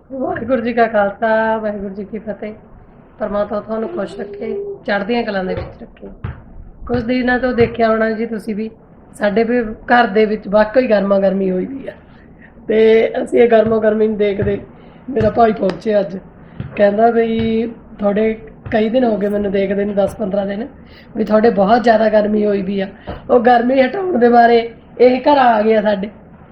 ਵਾਹਿਗੁਰੂ ਜੀ ਕਾ ਖਾਲਸਾ ਵਾਹਿਗੁਰੂ ਜੀ ਕੀ ਫਤਿਹ। ਪਰਮਾਤਮਾ ਤੁਹਾਨੂੰ ਖੁਸ਼ ਰੱਖੇ, ਚੜ੍ਹਦੀਆਂ ਕਲਾਂ ਦੇ ਵਿੱਚ ਰੱਖੇ। ਕੁਝ ਦਿਨਾਂ ਤੋਂ ਦੇਖਿਆ ਹੋਣਾ ਜੀ ਤੁਸੀਂ ਵੀ, ਸਾਡੇ ਵੀ ਘਰ ਦੇ ਵਿੱਚ ਵਾਕਈ ਗਰਮਾ ਗਰਮੀ ਹੋਈ ਵੀ ਆ ਤੇ ਅਸੀਂ ਇਹ ਗਰਮਾ ਗਰਮੀ ਨੂੰ ਦੇਖਦੇ ਮੇਰਾ ਭਾਈ ਪਹੁੰਚਿਆ ਅੱਜ, ਕਹਿੰਦਾ ਵੀ ਤੁਹਾਡੇ ਕਈ ਦਿਨ ਹੋ ਗਏ ਮੈਨੂੰ ਦੇਖਦੇ ਨੂੰ 10-15 ਦਿਨ ਵੀ ਤੁਹਾਡੇ ਬਹੁਤ ਜ਼ਿਆਦਾ ਗਰਮੀ ਹੋਈ ਵੀ ਆ। ਉਹ ਗਰਮੀ ਹਟਾਉਣ ਦੇ ਬਾਰੇ ਇਹ ਘਰ ਆ ਗਿਆ ਸਾਡੇ।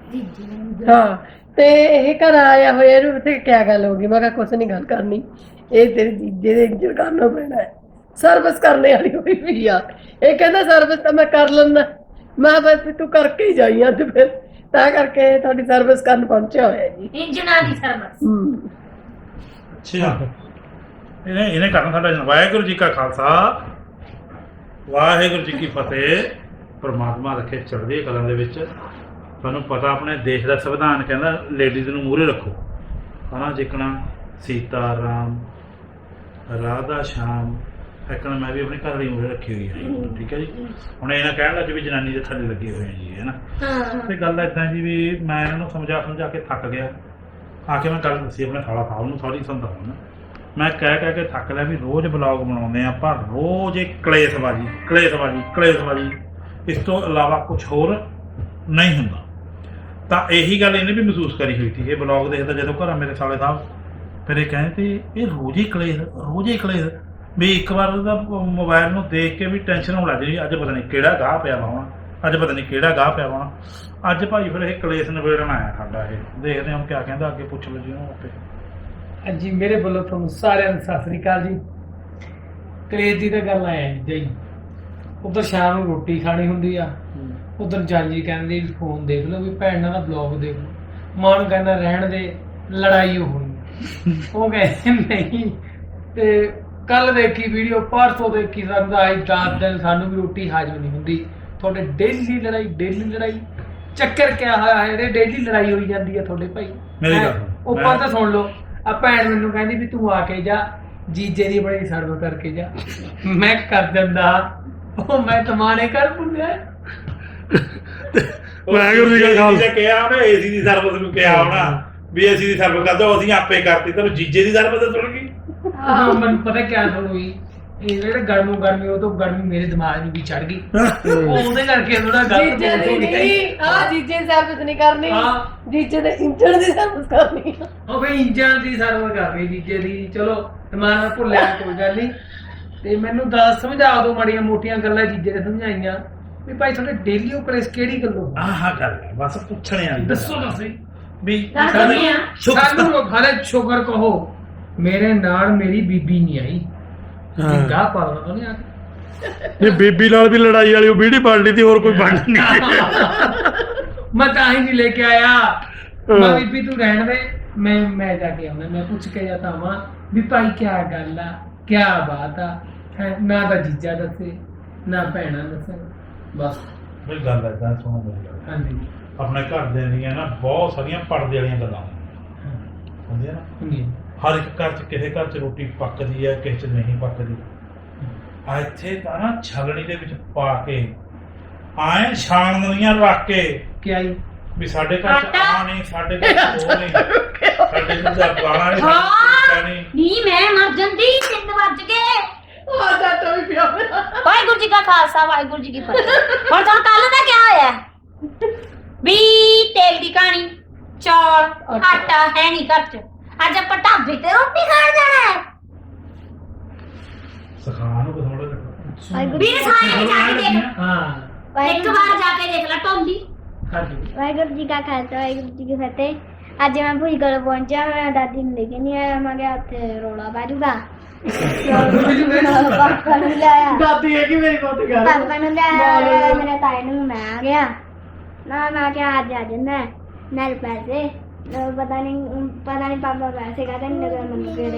ਹਾਂ ਤੇ ਇਹ ਘਰ ਆਇਆ ਹੋਇਆ ਇਹਨੂੰ ਤੇ ਕਿਆ ਗੱਲ ਹੋ ਗਈ? ਮੈਂ ਕਿਹਾ ਕੁਛ ਨਹੀਂ ਗੱਲ ਕਰਨੀ, ਇਹ ਤੇਰੇ ਜੀਜੇ ਦੇ ਇੰਜਣ ਕਰਨਾ ਪੈਣਾ ਹੈ, ਸਰਵਿਸ ਕਰਨੇ ਵਾਲੀ ਹੋਈ ਵੀ ਆ। ਇਹ ਕਹਿੰਦਾ ਸਰਵਿਸ ਤਾਂ ਮੈਂ ਕਰ ਲੈਂਦਾ। ਮੈਂ ਬਸ ਤੂੰ ਕਰਕੇ ਹੀ ਜਾਈ ਅੱਜ, ਫਿਰ ਤਾਂ ਕਰਕੇ ਤੁਹਾਡੀ ਸਰਵਿਸ ਕਰਨ ਪਹੁੰਚਿਆ ਹੋਇਆ ਜੀ, ਇੰਜਨਾਂ ਦੀ ਸਰਵਿਸ। ਅੱਛਾ ਇਹਨੇ ਕਰਨਾ ਸਾਡਾ ਜਨ। ਵਾਹਿਗੁਰੂ ਜੀ ਕਾ ਖਾਲਸਾ ਵਾਹਿਗੁਰੂ ਜੀ ਕੀ ਫਤਿਹ। ਪਰਮਾਤਮਾ ਰੱਖੇ ਚੜ੍ਹਦੀ ਕਲਾਂ ਦੇ ਵਿੱਚ। ਤੁਹਾਨੂੰ ਪਤਾ ਆਪਣੇ ਦੇਸ਼ ਦਾ ਸੰਵਿਧਾਨ ਕਹਿੰਦਾ ਲੇਡੀਜ਼ ਨੂੰ ਮੂਹਰੇ ਰੱਖੋ, ਹਨਾ। ਜਿੱਕਣਾ ਸੀਤਾ ਰਾਮ ਰਾਧਾ ਸ਼ਾਮ ਇੱਕਣਾ ਮੈਂ ਵੀ ਆਪਣੇ ਘਰ ਵਾਲੀ ਮੂਹਰੇ ਰੱਖੀ ਹੋਈ ਹੈ, ਠੀਕ ਹੈ ਜੀ। ਹੁਣ ਇਹਨਾਂ ਕਹਿਣ ਲੱਗ ਵੀ ਜਨਾਨੀ ਦੇ ਥੱਲੇ ਲੱਗੇ ਹੋਏ ਆ ਜੀ, ਹੈ ਨਾ। ਤੇ ਗੱਲ ਇੱਦਾਂ ਜੀ ਵੀ ਮੈਂ ਇਹਨਾਂ ਨੂੰ ਸਮਝਾ ਕੇ ਥੱਕ ਗਿਆ। ਆ ਕੇ ਮੈਂ ਗੱਲ ਦੱਸੀ ਆਪਣੇ ਖਾਲਾ ਸਾਹਿਬ ਨੂੰ, ਸਾਰੀ ਸਮਝਾਉਣਾ ਮੈਂ ਕਹਿ ਕੇ ਥੱਕ ਲਿਆ ਵੀ ਰੋਜ਼ ਬਲੌਗ ਬਣਾਉਂਦੇ ਆ, ਪਰ ਰੋਜ਼ ਇਹ ਕਲੇਸ਼ਬਾਜੀ ਇਸ ਤੋਂ ਇਲਾਵਾ ਕੁਛ ਹੋਰ ਨਹੀਂ ਹੁੰਦਾ। ਤਾਂ ਇਹੀ ਗੱਲ ਇਹਨੇ ਵੀ ਮਹਿਸੂਸ ਕਰੀ ਹੋਈ ਸੀ। ਇਹ ਬਲੌਗ ਦੇਖਦਾ ਜਦੋਂ ਘਰ ਮੇਰੇ ਸਾਲੇ ਸਾਹਿਬ, ਫਿਰ ਇਹ ਕਹਿੰਦੇ ਇਹ ਰੋਜ਼ ਹੀ ਕਲੇਸ਼ ਵੀ ਇੱਕ ਵਾਰ ਉਹਦਾ ਮੋਬਾਈਲ ਨੂੰ ਦੇਖ ਕੇ ਵੀ ਟੈਨਸ਼ਨ ਹੋਣ ਲੱਗ ਜਾਂਦੀ, ਅੱਜ ਪਤਾ ਨਹੀਂ ਕਿਹੜਾ ਗਾਹ ਪਿਆ ਵਾ ਅੱਜ ਭਾਈ ਫਿਰ ਇਹ ਕਲੇਸ਼ ਨਿਬੇੜਨ ਆਇਆ ਸਾਡਾ। ਇਹ ਦੇਖਦੇ ਹਾਂ ਕਿਆ ਕਹਿੰਦਾ, ਅੱਗੇ ਪੁੱਛ ਲਓ ਜੀ ਉਹਨੂੰ ਆਪੇ। ਹਾਂਜੀ, ਮੇਰੇ ਵੱਲੋਂ ਤੁਹਾਨੂੰ ਸਾਰਿਆਂ ਨੂੰ ਸਤਿ ਸ੍ਰੀ ਅਕਾਲ ਜੀ। ਕਲੇਸ਼ ਦੀ ਤਾਂ ਗੱਲ ਆਇਆ ਜੀ, ਉਧਰ ਸ਼ਾਮ ਨੂੰ ਰੋਟੀ ਖਾਣੀ ਹੁੰਦੀ ਆ, ਉਧਰ ਜਾਜੀ ਕਹਿੰਦੀ ਵੀ ਫੋਨ ਦੇਖ ਲਓ, ਵੀ ਭੈਣ ਨਾਲ ਦਾ ਬਲੌਗ ਦੇਖ ਲਓ। ਮਾਂ ਨੂੰ ਕਹਿੰਦਾ ਰਹਿਣ ਦੇ, ਲੜਾਈ ਹੋਣੀ। ਉਹ ਕਹਿੰਦੇ ਨਹੀਂ। ਤੇ ਕੱਲ ਦੇਖੀ ਵੀਡੀਓ, ਪਰਸੋਂ ਦੇਖੀ, ਸਾਨੂੰ ਤਾਂ ਅੱਜ 10 ਦਿਨ ਸਾਨੂੰ ਵੀ ਰੋਟੀ ਹਾਜ਼ਮ ਨਹੀਂ ਹੁੰਦੀ। ਤੁਹਾਡੇ ਡੇਲੀ ਲੜਾਈ ਚੱਕਰ ਕਿਆ ਹੋਇਆ ਹੈ? ਡੇਲੀ ਲੜਾਈ ਹੋਈ ਜਾਂਦੀ ਹੈ ਤੁਹਾਡੇ ਭਾਈ। ਮੇਰੀ ਗੱਲ ਉੱਪਰ ਤਾਂ ਸੁਣ ਲਓ, ਆ ਭੈਣ ਮੈਨੂੰ ਕਹਿੰਦੀ ਵੀ ਤੂੰ ਆ ਕੇ ਜਾ, ਜੀਜੇ ਦੀ ਬੜੀ ਸਰਵ ਕਰਕੇ ਜਾ। ਮੈਂ ਕਰ ਦਿੰਦਾ, ਉਹ ਮੈਂ ਤਮਾਨੇ ਕਰ ਪੁੰਨਿਆ। ਵਾਹਿਗੁਰੂ ਜੀ ਕਾ ਖਾਲਸਾ ਕਿਹਾ ਉਹਨੇ, ਏਸੀ ਦੀ ਸਰਵਿਸ ਨੂੰ ਕਿਹਾ ਹੋਣਾ ਵੀ ਏਸੀ ਦੀ ਸਰਵਿਸ ਕਰ ਦੋ, ਅਸੀਂ ਆਪੇ ਕਰਤੀ। ਤੈਨੂੰ ਜੀਜੇ ਦੀ ਸਰਵਿਸ ਸੁਣ ਗਈ। ਮੈਨੂੰ ਪਤਾ ਕਿਆ ਸੁਣੂਗੀ, ਇਹ ਜਿਹੜੇ ਗਰਮੀ ਉਹ ਤੋਂ ਗਰਮੀ ਮੇਰੇ ਦਿਮਾਗ ਨੂੰ ਵੀ ਚੜ ਗਈ। ਉਹਦੇ ਕਰਕੇ ਥੋੜਾ ਜੀਜੇ ਦੀ ਨਹੀਂ, ਜੀਜੇ ਦੀ ਸਰਵਿਸ ਨਹੀਂ ਕਰਨੀ, ਜੀਜੇ ਦੇ ਇੰਜਣ ਦੀ ਸਰਵਿਸ ਕਰਨੀ। ਉਹ ਵੀ ਇੰਜਣ ਦੀ ਸਰਵਿਸ ਕਰ ਰਹੀ ਜੀਜੇ ਦੀ। ਚਲੋ ਦਿਮਾਗ ਨਾਲ ਭੁੱਲਿਆ, ਕੋਈ ਗੱਲ ਨਹੀਂ। ਤੇ ਮੈਨੂੰ ਸਮਝਾ ਦਿਓ ਮਾੜੀਆਂ ਮੋਟੀਆਂ ਗੱਲਾਂ ਜੀਜੇ ਨੇ ਸਮਝਾਈਆਂ ਵੀ ਭਾਈ ਤੁਹਾਡੇ ਡੇਲੀ ਉਹ ਕਲੇਸ਼ ਕਿਹੜੀ ਗੱਲੋਂ? ਆਹ ਗੱਲ ਹੈ ਬਸ ਪੁੱਛਣੇ ਆ। ਦੱਸੋ ਤੁਸੀਂ ਵੀ ਸਾਨੂੰ ਹਾਲੇ ਸ਼ੁਕਰ ਕਹੋ ਮੇਰੇ ਨਾਲ ਮੇਰੀ ਬੀਬੀ ਨਹੀਂ ਆਈ। ਗਾਹ ਪਾਲਣਾ ਤਾਂ ਨਹੀਂ ਆ ਕੇ। ਇਹ ਬੀਬੀ ਨਾਲ ਵੀ ਲੜਾਈ ਵਾਲੀ ਉਹ ਵੀਡੀਓ ਬਣ ਲਈ ਤੀ, ਹੋਰ ਕੋਈ ਬਣ ਨਹੀਂ। ਮੈਂ ਤਾਂ ਹੀ ਨਹੀਂ ਲੈ ਕੇ ਆਇਆ। ਮੈਂ ਬੀਬੀ ਤੂੰ ਰਹਿਣ ਦੇ, ਮੈਂ ਜਾ ਕੇ ਆਉਣਾ, ਮੈਂ ਪੁੱਛ ਕੇ ਜਾਂਦਾ ਵਾਂ ਵੀ ਭਾਈ ਕਿਆ ਗੱਲ ਆ, ਕਿਆ ਬਾਤ ਆ। ਨਾ ਤਾਂ ਜੀਜਾ ਦੱਸੇ, ਨਾ ਭੈਣਾ ਦੱਸੇ, ਬਸ। ਬਈ ਗੱਲ ਏਦਾਂ ਸੁਣੋ ਮੇਰੀ ਗੱਲ। ਹਾਂਜੀ, ਆਪਣੇ ਘਰ ਦੇ ਦੀਆਂ ਨਾ ਬਹੁਤ ਸਾਰੀਆਂ ਪਰਦੇ ਵਾਲੀਆਂ ਗੱਲਾਂ ਹੁੰਦੀਆਂ ਨਾ। ਹੁੰਦੀ ਹਰ ਇੱਕ ਘਰ 'ਚ, ਕਿਸੇ ਘਰ 'ਚ ਰੋਟੀ ਪੱਕਦੀ ਹੈ, ਕਿਸੇ 'ਚ ਨਹੀਂ ਪੱਕਦੀ। ਇੱਥੇ ਤਾਂ ਨਾ ਛਲਣੀ ਦੇ ਵਿੱਚ ਪਾ ਕੇ ਆਏ ਛਾਣਨੀਆਂ ਰੱਖ ਕੇ ਕਿਆ ਹੀ ਵੀ ਸਾਡੇ ਘਰ 'ਚ ਆ ਨਹੀਂ, ਸਾਡੇ ਘਰ 'ਚ ਉਹ ਨਹੀਂ, ਸਾਡੇ ਘਰ 'ਚ ਗਾਣਾ ਨਹੀਂ। ਨਹੀਂ ਮੈਂ ਮਰ ਜਾਂਦੀ, 3 ਵੱਜ ਗਏ। ਤਾਂ ਵੀ ਪਿਆ ਵਾਹਿਗੁਰੂ ਜੀ ਕਾ ਖਾਲਸਾ ਵਾਹਿਗੁਰੂ ਜੀ ਕੀ ਫਤਿਹ। ਹੁਣ ਤੁਹਾਨੂੰ ਕੱਲ ਦਾ ਕਿਆ ਹੋਇਆ ਵੀ ਤੇਲ ਦੀ ਕਹਾਣੀ, ਚੌਲ ਆਟਾ ਹੈ ਨਹੀਂ ਘਰ ਚ, ਅੱਜ ਆਪਾਂ ਢਾਬੇ ਤੇ ਰੋਟੀ ਖਾਣ ਜਾਣਾ ਹੈ। ਸਿਖਾ ਨੂੰ ਥੋੜਾ ਵੀਰ ਸਾਰੇ ਜਾ ਕੇ ਦੇਖ, ਹਾਂ। ਇੱਕ ਵਾਰ ਜਾ ਕੇ ਦੇਖ ਲੈ ਟੋਲੀ। ਵਾਹਿਗੁਰੂ ਜੀ ਕਾ ਖਾਲਸਾ ਵਾਹਿਗੁਰੂ ਜੀ ਕੀ ਫਤਿਹ। ਅੱਜ ਮੈਂ ਭੂਈ ਕੋਲ ਪਹੁੰਚਿਆ, ਮੈਂ ਦਾਦੀ ਨੂੰ ਲੈ ਕੇ ਨਹੀਂ ਆਇਆ। ਮੈਂ ਕਿਹਾ ਉੱਥੇ ਰੌਲਾ ਪੈ ਜੂਗਾ। ਪਾਪਾ ਨੂੰ ਲਿਆਇਆ, ਦਾਦੀ ਹੈ ਕਿ ਮੇਰੀ ਬਹੁਤ ਗੱਲ ਪਾਪਾ ਨੂੰ ਲਿਆਇਆ, ਮੇਰੇ ਤਾਏ ਨੂੰ ਮੈਂ ਆ ਗਿਆ ਨਾ। ਮੈਂ ਕਿਹਾ ਅੱਜ ਆ ਜਾਂਦਾ ਨਾਲ ਪੈਸੇ, ਪਤਾ ਨਹੀਂ ਪਾਪਾ ਪੈਸੇ ਕਾਹਦੇ ਨਹੀਂ ਲਗਾ ਮੈਨੂੰ ਕਿਹੜੇ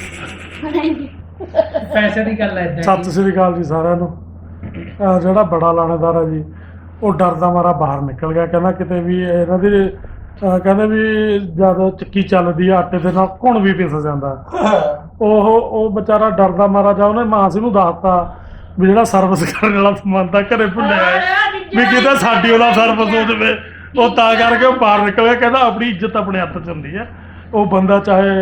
ਪੈਸੇ ਦੀ ਗੱਲ ਹੈ। ਸਤਿ ਸ੍ਰੀ ਅਕਾਲ ਜੀ ਸਾਰਿਆਂ ਨੂੰ। ਜਿਹੜਾ ਬੜਾ ਲਾਣੇਦਾਰ ਹੈ ਜੀ, ਉਹ ਡਰਦਾ ਮਾਰਾ ਬਾਹਰ ਨਿਕਲ ਗਿਆ। ਕਹਿੰਦਾ ਕਿਤੇ ਵੀ ਇਹਨਾਂ ਦੀ ਕਹਿੰਦੇ ਵੀ ਜਦ ਚੱਕੀ ਚੱਲਦੀ ਆ ਆਟੇ ਦੇ ਨਾਲ ਘੁਣ ਵੀ ਪਿਸ ਜਾਂਦਾ। ਉਹ ਵਿਚਾਰਾ ਡਰਦਾ ਮਾਰਾ ਜਾ ਉਹਨੇ ਮਾਸੀ ਨੂੰ ਦੱਸਤਾ ਵੀ ਜਿਹੜਾ ਸਰਵਿਸ ਕਰਨ ਵਾਲਾ ਸਮਾਨ ਤਾਂ ਘਰੇ ਭੁੱਲਿਆ ਹੈ ਵੀ ਕਿਤੇ ਸਾਡੀ ਉਹਦਾ ਸਰਵਿਸ ਹੋ ਜਾਵੇ। ਉਹ ਤਾਂ ਕਰਕੇ ਉਹ ਬਾਹਰ ਨਿਕਲ ਗਿਆ। ਕਹਿੰਦਾ ਆਪਣੀ ਇੱਜ਼ਤ ਆਪਣੇ ਹੱਥ 'ਚ ਹੁੰਦੀ ਹੈ, ਉਹ ਬੰਦਾ ਚਾਹੇ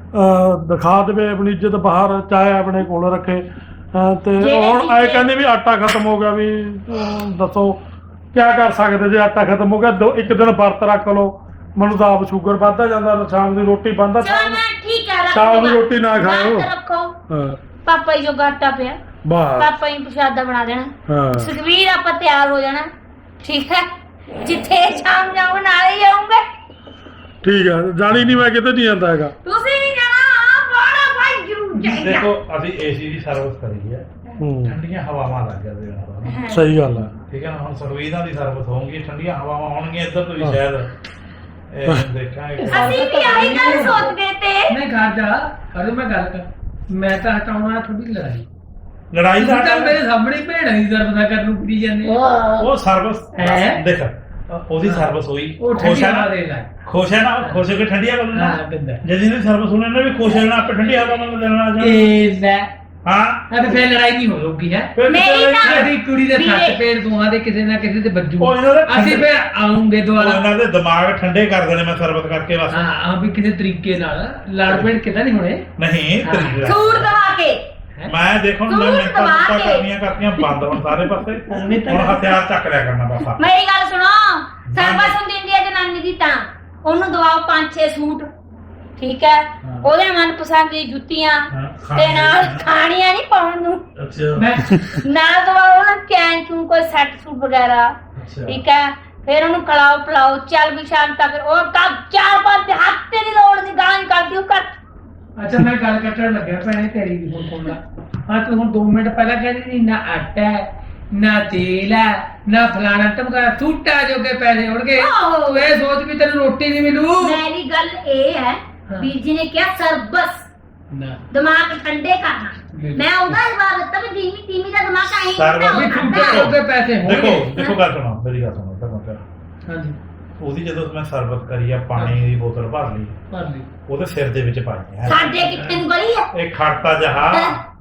ਦਿਖਾ ਦੇਵੇ ਆਪਣੀ ਇੱਜ਼ਤ ਬਾਹਰ, ਚਾਹੇ ਆਪਣੇ ਕੋਲ ਰੱਖੇ। ਤੇ ਹੁਣ ਐ ਕਹਿੰਦੇ ਵੀ ਆਟਾ ਖਤਮ ਹੋ ਗਿਆ, ਵੀ ਦੱਸੋ ਕਿਆ ਕਰ ਸਕਦੇ ਜੇ ਆਟਾ ਖਤਮ ਹੋ ਗਿਆ। ਇੱਕ ਦਿਨ ਵਰਤ ਰੱਖ ਲਓ, ਮੈਨੂੰ ਤਾਂ ਆਪ ਸ਼ੂਗਰ ਵੱਧਦਾ ਜਾਂਦਾ, ਸ਼ਾਮ ਦੀ ਰੋਟੀ ਬੰਦਾ, ਚਲੋ ਮੈਂ ਠੀਕ ਹੈ, ਸ਼ਾਮ ਦੀ ਰੋਟੀ ਨਾ ਖਾਓ। ਵਰਤ ਰੱਖੋ। ਹਾਂ ਪਾਪਾ ਜੀ ਜੋ ਆਟਾ ਪਿਆ, ਬਸ ਪਾਪਾ ਹੀ ਪ੍ਰਸ਼ਾਦਾ ਬਣਾ ਦੇਣਾ। ਹਾਂ ਸੁਖਵੀਰ ਆਪਾਂ ਤਿਆਰ ਹੋ ਜਾਣਾ, ਠੀਕ ਹੈ। ਜਿੱਥੇ ਸ਼ਾਮ ਜਾਊਂ ਨਾਲ ਹੀ ਜਾਊਂਗੇ। ਠੀਕ ਹੈ, ਜਾਣੀ ਨਹੀਂ, ਮੈਂ ਕਿਤੇ ਨਹੀਂ ਜਾਂਦਾ ਹੈਗਾ। ਤੁਸੀਂ ਨਹੀਂ ਜਾਣਾ, ਬੜਾ ਭਾਈ ਜ਼ਰੂਰ ਚਾਹੀਦਾ। ਦੇਖੋ ਅਸੀਂ ਏਸੀ ਦੀ ਸਰਵਿਸ ਕਰੀ ਹੈ, ਹੂੰ ਠੰਡੀਆਂ ਹਵਾਵਾਂ ਲੱਗ ਜਾਂਦੀਆਂ ਨੇ। ਸਹੀ ਗੱਲ ਹੈ। ਠੀਕ ਹੈ ਨਾ, ਹੁਣ ਸਰਵੀਦਾਂ ਦੀ ਸਰਵਿਸ ਹੋਊਗੀ, ਠੰਡੀਆਂ ਹਵਾਵਾਂ ਹੋਣਗੀਆਂ ਇੱਧਰ ਤੋਂ ਵੀ ਸ਼ਾਇਦ ਇਹ ਦੇਖਾਂਗੇ। ਅਸੀਂ ਵੀ ਆਹੀ ਗੱਲ ਸੋਚਦੇ ਤੇ। ਨਹੀਂ ਘਰ ਜਾ ਅਰੇ ਮੈਂ ਗੱਲ ਕਰ, ਮੈਂ ਤਾਂ ਹਟਾਉਣਾ ਥੋੜੀ ਲੜਾਈ। ਲੜਾਈ ਦਾ ਤਾਂ ਮੇਰੇ ਸਾਹਮਣੇ ਭੈਣਾਂ ਦੀ ਜ਼ਰਬਦਾ ਕਰਨ ਨੂੰ ਕੁੜੀ ਜਾਂਦੇ ਆ। ਉਹ ਸਰਵਿਸ ਹੈਂ? ਦੇਖ ਉਹਦੀ ਸਰਵਿਸ ਹੋਈ, ਉਹ ਖੁਸ਼ ਠੰਡੀ ਹੈ ਹਵਾ ਨਾ, ਦੇ ਲੈ। ਖੁਸ਼ ਹੈ ਨਾ, ਖੁਸ਼ ਹੋ ਕੇ ਠੰਡੀ ਹਵਾ ਲੈਣਾ। ਹਾਂ ਕਿੰਦਾ ਜੇ ਜਿਹਦੀ ਸਰਵਿਸ ਹੋਣੀ ਨੇ ਵੀ ਖੁਸ਼ ਹੋਣਾ, ਆਪੇ ਠੰਡੀ ਹਵਾ ਨਾਲ ਲੈਣਾ ਜਾਣਾ। ਇਹ ਲੈ ਹਾਂ ਅਬੇ ਫੇਰ ਲੜਾਈ ਨਹੀਂ ਹੋਊਗੀ ਹੈ। ਫਿਰ ਮੇਰੀ ਚੱਲ ਤਾਂ- ਸਾਡੀ ਕੁੜੀ ਦੇ ਵੀਰੇ। ਸੱਤ ਪੇੜ ਦੋਹਾਂ ਦੇ ਕਿਸੇ ਨਾ ਕਿਸੇ ਤੇ ਵੱਜੂ। ਉਹ ਇਹਨਾਂ ਦੇ ਅਸੀਂ ਫੇਰ ਆਉਂਗੇ ਉਹ ਦੁਬਾਰਾ। ਇਹਨਾਂ ਦੇ ਦਿਮਾਗ ਠੰਡੇ ਕਰ ਦੇਣੇ ਮੈਂ ਸਰਵਿਸ ਕਰਕੇ ਬਸ। ਹਾਂ ਵੀ ਕਿਸੇ ਤਰੀਕੇ ਨਾਲ ਲੜ ਪੇੜ ਕਿਤਾ ਨਹੀਂ ਹੋਣੇ। ਨਹੀਂ ਹਾਂ। ਤਰੀਕੇ ਸੂਟ ਦਵਾ ਕੇ। ਮੈਂ ਦੇਖੋ ਤੂੰ ਮੈਂ ਮਿੰਟਾਂ ਦਬਾ ਮੁੱਟਾਂ ਕੇ। ਕਰਨੀਆਂ ਬੰਦ ਹੁਣ ਸਾਰੇ ਪਾਸੇ। ਹੁਣ ਹਥਿਆਰ ਚੱਕ ਲਿਆ ਕਰਨਾ ਬਸ ਆਪਾਂ। ਮੇਰੀ ਗੱਲ ਸੁਣੋ, ਸਰਵਿਸ ਹੁੰਦੀ ਹੈ ਜਨਾਨੀ ਦੀ, ਤਾਂ ਉਹਨੂੰ ਦਵਾਓ 5-6 ਸੂਟ, ਠੀਕ ਹੈ। ਹਾਂ। ਉਹਦੇ ਮਨਪਸੰਦ ਦੀ ਜੁੱਤੀਆਂ ਹਾਂ, ਤੇ ਨਾਲ ਖਾਣੀਆਂ ਨਹੀਂ ਪਾਉਣ ਨੂੰ, ਅੱਛਾ ਮੈਂ ਨਾਲ ਦਵਾਓ ਨਾ ਚੈਨ ਚੂਨ ਕੋਈ ਸੈੱਟ ਸੂਟ ਵਗੈਰਾ, ਅੱਛਾ ਠੀਕ ਹੈ। ਫਿਰ ਉਹਨੂੰ ਖਿਲਾਓ ਪਿਲਾਓ, ਚੱਲ ਵੀ ਸ਼ਾਮ ਤੱਕ ਉਹ ਕੱਪ 4-5 ਹਫ਼ਤੇ ਦੀ ਲੋੜ ਦੀ ਗਾਲਾਂ ਕਰਦੀ ਉਹ ਕਰ। ਅੱਛਾ ਮੈਂ ਗੱਲ ਕੱਟਣ ਲੱਗਿਆ ਭੈਣੇ ਤੇਰੀ ਵੀ ਹੁਣ ਸੁਣ ਲੈ। ਹਾਂ ਤੂੰ ਹੁਣ 2 ਮਿੰਟ ਪਹਿਲਾਂ ਕਹਿੰਦੀ ਸੀ ਨਾ ਆਟਾ ਹੈ, ਨਾ ਤੇਲ ਹੈ, ਨਾ ਫਲਾਣਾ ਟਮਕਾਣਾ, ਸੂਟਾਂ ਜੋਗੇ ਪੈਸੇ ਹੋਣਗੇ। ਆਹੋ। ਤੂੰ ਇਹ ਸੋਚ ਵੀ ਤੈਨੂੰ ਰੋਟੀ ਨਹੀਂ ਮਿਲੂ। ਮੇਰੀ ਗੱਲ ਇਹ ਹੈ, ਹਾਂ। ਵੀਰ ਜੀ ਨੇ ਕਿਹਾ ਸਰਬਸ ਨਾ ਦਿਮਾਗ ਠੰਡੇ ਕਰਨਾ। ਬਿਲਕੁਲ। ਮੈਂ ਉਹਦਾ ਜਵਾਬ ਦਿੱਤਾ ਵੀ ਧੀਮੀ ਧੀਮੀ ਦਾ ਦਿਮਾਗ ਆਈ ਸਰਬਸ ਵੀ ਹੁੰਦਾ ਸੂਟਾਂ ਹੈ। ਜੋਗੇ ਪੈਸੇ ਦੇਖੋ ਹੋਣਗੇ। ਦੇਖੋ ਗੱਲ ਸੁਣੋ, ਮੇਰੀ ਗੱਲ ਸੁਣੋ ਤਾਂ ਮਤਲਬ ਹਾਂਜੀ ਉਹਦੀ ਜਦੋਂ ਮੈਂ ਸਰਵਿਸ ਕਰੀ ਆ, ਪਾਣੀ ਦੀ ਬੋਤਲ ਭਰ ਲਈ, ਭਰ ਲਈ। ਉਹਦੇ ਸਿਰ ਦੇ ਵਿੱਚ ਪਾਈ ਹੈ ਸਾਡੇ ਕਿੱਥੇ ਨੂੰ ਗਲੀ ਹੈ। ਇਹ ਖੜਤਾ ਜਹਾ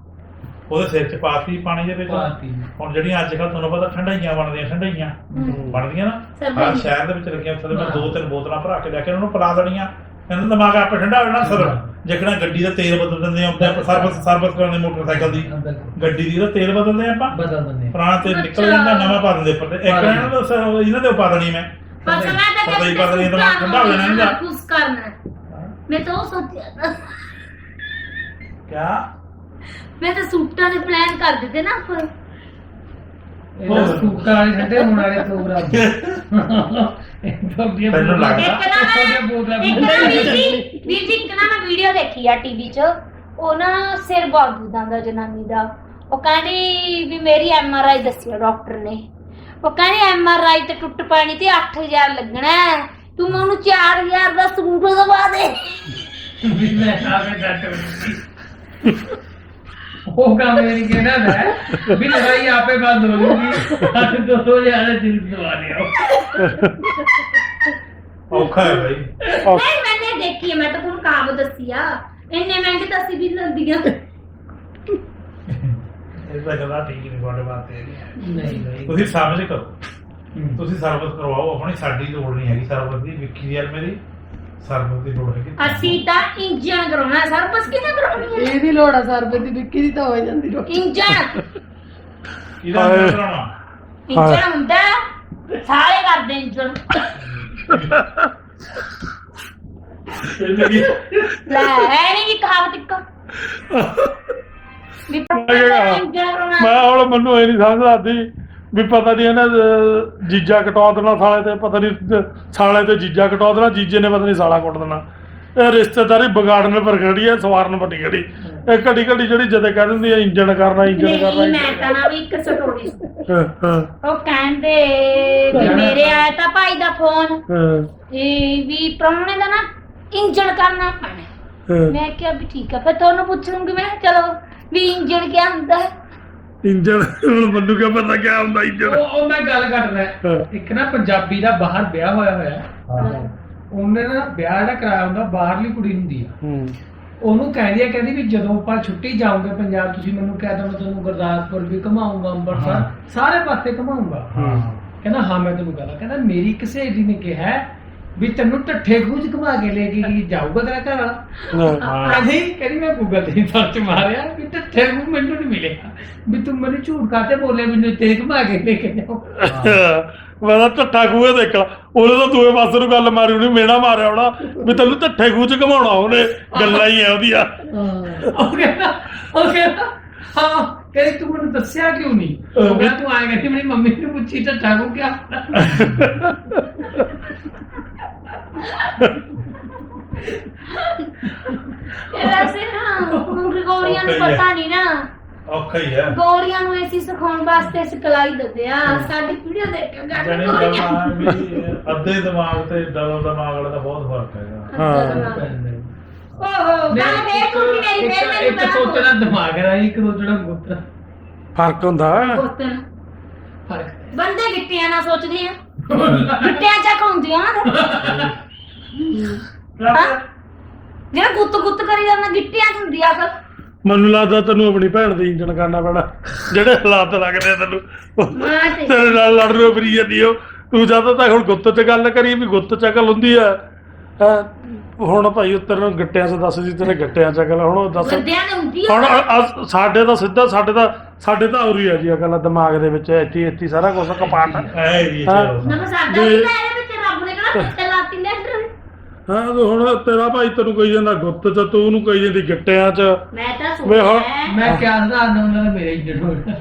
ਉਹਦੇ ਸਿਰ 'ਚ ਪਾਤੀ ਪਾਣੀ ਦੇ ਵਿੱਚ। ਪਾਤੀ। ਹੁਣ ਜਿਹੜੀਆਂ ਅੱਜ ਕੱਲ੍ਹ ਤੁਹਾਨੂੰ ਪਤਾ ਠੰਡਾਈਆਂ ਬਣਦੀਆਂ ਬਣਦੀਆਂ ਨਾ, ਸਰਬਤ। ਹਰ ਸ਼ਹਿਰ ਦੇ ਵਿੱਚ ਲੱਗੀਆਂ, ਉੱਥੇ ਮੈਂ 2-3 ਬੋਤਲਾਂ ਭਰਾ ਕੇ ਲੈ ਕੇ ਉਹਨਾਂ ਨੂੰ ਪਿਲਾ ਦੇਣੀਆਂ। ਇਹਨਾਂ ਦਾ ਦਿਮਾਗ ਆਪੇ ਠੰਡਾ ਹੋ ਜਾਣਾ। ਸਰ ਜਿਕਣਾ ਗੱਡੀ ਦਾ ਤੇਲ ਬਦਲ ਦਿੰਦੇ ਆ ਆਪਾਂ, ਸਰਵਿਸ ਕਰਾਉਂਦੇ ਮੋਟਰਸਾਈਕਲ ਦੀ, ਹਾਂ, ਬਿਲਕੁਲ। ਗੱਡੀ ਦੀ ਦਾ ਤੇਲ ਬਦਲਦੇ ਆ ਆਪਾਂ, ਬਦਲ ਦਿੰਦੇ ਆ। ਪੁਰਾਣਾ ਤੇਲ ਨਿਕਲ ਜਾਂਦਾ, ਨਵਾਂ ਪਾ ਦਿੰਦੇ ਉੱਪਰ ਤੇ। ਇੱਕ ਇਹਨਾਂ ਦਾ ਇਹਨਾਂ ਦੇ ਪਾ ਦੇਣੀ ਮੈਂ। ਬਸ ਮੈਂ ਤਾਂ ਪਤਾ ਹੀ ਪਤਾ ਨਹੀਂ ਦਿਮਾਗ ਠੰਡਾ ਹੋ ਜਾਣਾ ਇਹਦਾ। ਕੁਝ ਕਰਨਾ ਮੈਂ ਤਾਂ ਉਹ ਸੋਚਿਆ ਨਾ। ਕਿਆ ਮੈਂ ਤਾਂ ਸੂਟਾਂ ਦੇ ਪਲਾਨ ਕਰ ਦਿੱਤੇ ਨਾ ਫਿਰ। ਇਹ ਸੂਟਾਂ ਵਾਲੇ ਠੰਡੇ ਹੋਣ ਵਾਲੇ ਪ੍ਰੋਗਰਾਮ। ਤੈਨੂੰ ਲੱਗਦਾ? ਇੱਕ ਨਾ ਵੀਰ ਜੀ ਇੱਕ ਨਾ ਮੈਂ ਵੀਡੀਓ ਦੇਖੀ ਆ ਟੀਵੀ 'ਚ, ਉਹ ਨਾ ਸਿਰ ਬਹੁਤ ਦੁਖਦਾ ਜਨਾਨੀ ਦਾ। ਉਹ ਕਹਿੰਦੀ ਵੀ ਮੇਰੀ MRI ਦੱਸਿਆ ਡਾਕਟਰ ਨੇ। ਉਹ ਕਹਿੰਦੀ MRI ਤੇ ਟੁੱਟ ਪਾਣੀ ਤੇ 8000 ਲੱਗਣਾ ਹੈ, ਤੂੰ ਮੈਨੂੰ 4000 ਦਾ ਸੂਟ ਦਵਾ ਦੇ। ਉਹ ਕੰਮ ਮੇਰੀ ਕਹਿਣਾ ਹੈ ਵੀ ਲੜਾਈ ਆਪੇ ਬੰਦ ਹੋ ਜੂਗੀ। ਅੱਜ 2000 ਜਿੰਦ ਦਵਾ ਲਿਆਓ। ਔਖਾ ਹੈ ਬਾਈ। ਨਹੀਂ ਮੈਨੇ ਦੇਖੀ ਹੈ, ਮੈਂ ਤਾਂ ਤੁਹਾਨੂੰ ਕਾਬ ਦੱਸੀ ਆ। ਇੰਨੇ ਮਹਿੰਗੇ ਤਾਂ ਅਸੀਂ ਵੀ ਲੈਂਦੀਆਂ। ਇਹ ਤਾਂ ਗੱਲਾਂ ਠੀਕ ਨਹੀਂ ਤੁਹਾਡੇ ਵਾਸਤੇ। ਨਹੀਂ ਨਹੀਂ ਤੁਸੀਂ ਸਮਝ ਕਰੋ, ਤੁਸੀਂ ਸਰਵਿਸ ਕਰਵਾਓ ਆਪਣੀ, ਸਾਡੀ ਲੋੜ ਨਹੀਂ ਹੈਗੀ ਸਰਵਿਸ ਦੀ। ਵਿੱਕੀ ਯਾਰ ਮੇਰੀ ਸਰਵਿਸ ਦੀ ਲੋੜ ਹੈਗੀ। ਅਸੀਂ ਤਾਂ ਇੰਜਨ ਕਰਾਉਣਾ, ਸਰਵਿਸ ਕਿਹਨੇ ਕਰਾਉਣੀ ਹੈ? ਇਹਦੀ ਲੋੜ ਆ ਸਰਬਤ ਦੀ, ਵਿੱਕੀ ਦੀ ਤਾਂ ਹੋ ਜਾਂਦੀ ਰੋਟੀ। ਇੰਜਨ ਇਹਦਾ ਅੰਦਰ ਕਰਾਉਣਾ। ਇੰਜਨ ਹੁੰਦਾ ਸਾਰੇ ਕਰਦੇ ਇੰਜਨ। ਲੈ ਐ ਨਹੀਂ ਵੀ ਕਹਾਵਤ ਇੱਕ ਵੀ ਇੰਜਨ ਕਰਾਉਣਾ। ਮੈਂ ਹੁਣ ਮੈਨੂੰ ਇਹ ਨਹੀਂ ਸਮਝ ਆਦੀ ਵੀ ਪਤਾ ਨਹੀਂ ਇਹਨਾਂ ਜੀਜਾ ਕਟਾ ਦੇਣਾ ਸਾਲੇ ਤੇ, ਪਤਾ ਨਹੀਂ ਸਾਲੇ ਤੇ ਜੀਜਾ ਕਟਾ ਦੇਣਾ, ਜੀਜੇ ਨੇ ਪਤਾ ਨਹੀਂ ਸਾਲਾ ਕੁੱਟ ਦੇਣਾ। ਇਹ ਰਿਸ਼ਤੇਦਾਰੀ ਵਿਗਾੜਨ ਪਰ ਖੜੀ ਹੈ, ਸਵਾਰਨ ਪਰ ਨਹੀਂ ਖੜੀ। ਇਹ ਘੜੀ ਘੜੀ ਜਿਹੜੀ ਜਦੇ ਕਹਿ ਦਿੰਦੀ ਹੈ ਇੰਜਣ ਕਰਨਾ ਇੰਜਣ ਨਹੀਂ ਕਰਨਾ। ਮੈਂ ਤਾਂ ਨਾ ਵੀ ਇੱਕ ਸਟੋਰੀ ਹਾਂ, ਹਾਂ, ਉਹ ਕਹਿੰਦੇ ਵੀ ਮੇਰੇ ਆਇਆ ਤਾਂ ਭਾਈ ਦਾ ਫੋਨ ਹਾਂ, ਵੀ ਪ੍ਰਾਹੁਣੇ ਦਾ ਨਾ ਇੰਜਣ ਕਰਨਾ ਪੈਣਾ। ਹਾਂ। ਮੈਂ ਕਿਹਾ ਵੀ ਠੀਕ ਹੈ, ਫਿਰ ਤੁਹਾਨੂੰ ਪੁੱਛ ਲੂੰਗੀ। ਮੈਂ ਕਿਹਾ ਚਲੋ ਵੀ ਇੰਜਣ ਕੀ ਹੁੰਦਾ ਹੈ। ਇੰਜਣ ਹੁਣ ਮੈਨੂੰ ਕਿਆ ਪਤਾ ਕਿਆ ਹੁੰਦਾ ਇੰਜਣ। ਉਹ ਮੈਂ ਗੱਲ ਕਰਦਾ। ਹਾਂ। ਇੱਕ ਨਾ ਪੰਜਾਬੀ ਦਾ ਬਾਹਰ ਵਿਆਹ ਹੋਇਆ ਹਾਂ ਉਹਨੇ ਨਾ ਵਿਆਹ ਜਿਹੜਾ ਕਰਾਇਆ ਹੁੰਦਾ, ਬਾਹਰਲੀ ਕੁੜੀ ਹੁੰਦੀ ਆ। ਉਹਨੂੰ ਕਹਿੰਦੀ ਵੀ ਜਦੋਂ ਆਪਾਂ ਛੁੱਟੀ ਜਾਓਗੇ ਪੰਜਾਬ, ਤੁਸੀਂ ਮੈਨੂੰ ਕਹਿ ਦੋ ਮੈਂ ਤੁਹਾਨੂੰ ਗੁਰਦਾਸਪੁਰ ਵੀ ਘੁਮਾਊਂਗਾ, ਅੰਮ੍ਰਿਤਸਰ ਸਾਰੇ ਪਾਸੇ ਘੁਮਾਊਂਗਾ। ਹਾਂ ਕਹਿੰਦਾ ਹਾਂ ਮੈਂ ਤੈਨੂੰ ਕਹਿੰਦਾ ਮੇਰੀ ਇੱਕ ਸਹੇਲੀ ਨੇ ਕਿਹਾ ਵੀ ਤੈਨੂੰ ਢੱਠੇ ਖੂਜ ਘੁਮਾ ਕੇ ਲੈ ਕੇ ਜਾਊਗਾ ਤੇਰਾ ਘਰ ਵਾਲਾ ਹਾਂ। ਕਹਿੰਦੀ ਮੈਂ ਗੂਗਲ ਤੇ ਸਰਚ ਮਾਰਿਆ ਵੀ ਢੱਠੇ ਖੂਜ ਮੈਨੂੰ ਨਹੀਂ ਮਿਲੇਗਾ ਵੀ ਤੂੰ ਮੈਨੂੰ ਝੂਠ ਕਾਤੇ ਬੋਲੇ ਮੈਨੂੰ ਤੇ ਘੁਮਾ ਕੇ ਲੈ ਕੇ ਜਾਓ ਮੈਂ ਤਾਂ ਢੱਠਾ ਖੂਹੇ ਦੇਖਣਾ ਉਹਨੇ ਤਾਂ ਦੂਏ ਪਾਸੇ ਨੂੰ ਗੱਲ ਮਾਰੀ ਉਹਨੇ ਮੇਣਾ ਮਾਰਿਆ ਹੋਣਾ ਵੀ ਤੈਨੂੰ ਢੱਠੇ ਖੂਹ ਚ ਘਮਾਉਣਾ ਉਹਨੇ ਗੱਲਾਂ ਹੀ ਐ ਉਹਦੀਆਂ ਉਹ ਕਹਿੰਦਾ ਹਾਂ ਕਹਿੰਦੀ ਤੂੰ ਮੈਨੂੰ ਦੱਸਿਆ ਕਿਉਂ ਨਹੀਂ ਉਹ ਕਹਿੰਦਾ ਤੂੰ ਆਏਗਾ ਕਿ ਮੇਰੀ ਮੰਮੀ ਨੂੰ ਪੁੱਛੀ ਢੱਠਾ ਖੂਹ ਕਿਆ ਵੈਸੇ ਨਾ ਗੋਰੀਆਂ ਨੂੰ ਪਤਾ ਨਹੀਂ ਨਾ ਔਖਾ ਹੀ ਹੈ ਗੋਰੀਆਂ ਨੂੰ ਅਸੀਂ ਸਿਖਾਉਣ ਵਾਸਤੇ ਸਿਖਲਾਈ ਦਿੰਦੇ ਆ ਸਾਡੀ ਵੀਡੀਓ ਦੇਖ ਕੇ ਜਾ ਕੇ ਜਾਣੀ ਗੋਰੀਆਂ ਦਿਮਾਗ ਵੀ ਅੱਧੇ ਦਿਮਾਗ ਤੇ ਡਬਲ ਦਿਮਾਗ ਵਾਲਾ ਦਾ ਬਹੁਤ ਫਰਕ ਹੈਗਾ ਹਾਂ। ਓਹੋ ਗੱਲ ਫੇਰ ਤੂੰ ਵੀ ਮੇਰੀ ਫੇਰ ਮੈਨੂੰ ਇੱਕ ਸੋਚਣਾ ਦਿਮਾਗ ਹੈ ਇੱਕ ਸੋਚਣਾ ਗੁੱਤ ਫਰਕ ਹੁੰਦਾ ਪੁੱਤਰ ਫਰਕ ਬੰਦੇ ਗਿੱਟਿਆਂ ਨਾਲ ਸੋਚਦੇ ਆ ਗਿੱਟਿਆਂ ਚੱਕ ਹੁੰਦੀਆਂ ਜਿਹੜਾ ਗੁੱਤ ਕਰੀ ਜਾਂਦਾ ਗਿੱਟਿਆਂ ਚ ਹੁੰਦੀ ਆ ਅਕਲ ਮੈਨੂੰ ਲੱਗਦਾ ਤੈਨੂੰ ਆਪਣੀ ਭੈਣ ਦੀ ਇੰਜਣ ਕਰਨਾ ਪੈਣਾ ਜਿਹੜੇ ਹਾਲਾਤ ਲੱਗਦੇ ਆ ਤੈਨੂੰ ਮੈਂ ਤੇ ਤੇਰੇ ਨਾਲ ਲੜ ਰਹੀ ਫਰੀ ਜਾਂਦੀ ਉਹ ਤੂੰ ਜਦੋਂ ਤੱਕ ਹੁਣ ਗੁੱਤ 'ਚ ਗੱਲ ਕਰੀ ਵੀ ਗੁੱਤ 'ਚ ਅਕਲ ਹੁੰਦੀ ਆ ਹੁਣ ਭਾਈ ਉੱਤਰ ਨੂੰ ਗੱਟਿਆਂ 'ਚ ਦੱਸ ਦੀ ਤੇਰੇ ਗੱਟਿਆਂ 'ਚ ਅਕਲ ਹੁਣ ਉਹ ਦੱਸ ਬੰਦਿਆਂ ਨੇ ਹੁੰਦੀ ਹੁਣ ਆ ਸਾਡੇ ਤਾਂ ਸਿੱਧਾ ਸਾਡੇ ਤਾਂ ਉਰੀ ਆ ਜੀ ਅਕਲ ਦਿਮਾਗ ਦੇ ਵਿੱਚ ਇੱਥੇ ਸਾਰਾ ਕੁਝ ਕਪਾਟ ਐ ਵੀ ਹਾਂ। ਨਾ ਸਾਡਾ ਵੀ ਤਾਂ ਇਹਦੇ ਵਿੱਚ ਰੱਬ ਨੇ ਕਿਹੜਾ ਪਿੱਛੇ ਲਾਤੀ ਲੈਟਰ ਹਾਂ ਤੇ ਹੁਣ ਤੇਰਾ ਭਾਈ ਤੈਨੂੰ ਕਹੀ ਜਾਂਦਾ ਗੁੱਤ 'ਚ ਤੂੰ ਉਹਨੂੰ ਕਹੀ ਜਾਂਦੀ ਗੱਟਿਆਂ 'ਚ ਮੈਂ ਤਾਂ ਵੇ ਹੁਣ- ਸੋਚਿਆ ਮੈਂ ਕਿਆ ਸੁਧਾਰਨਾ ਉਹਨਾਂ ਦਾ ਮੇਰੇ ਇੰਜਣ ਹੋ ਗਿਆ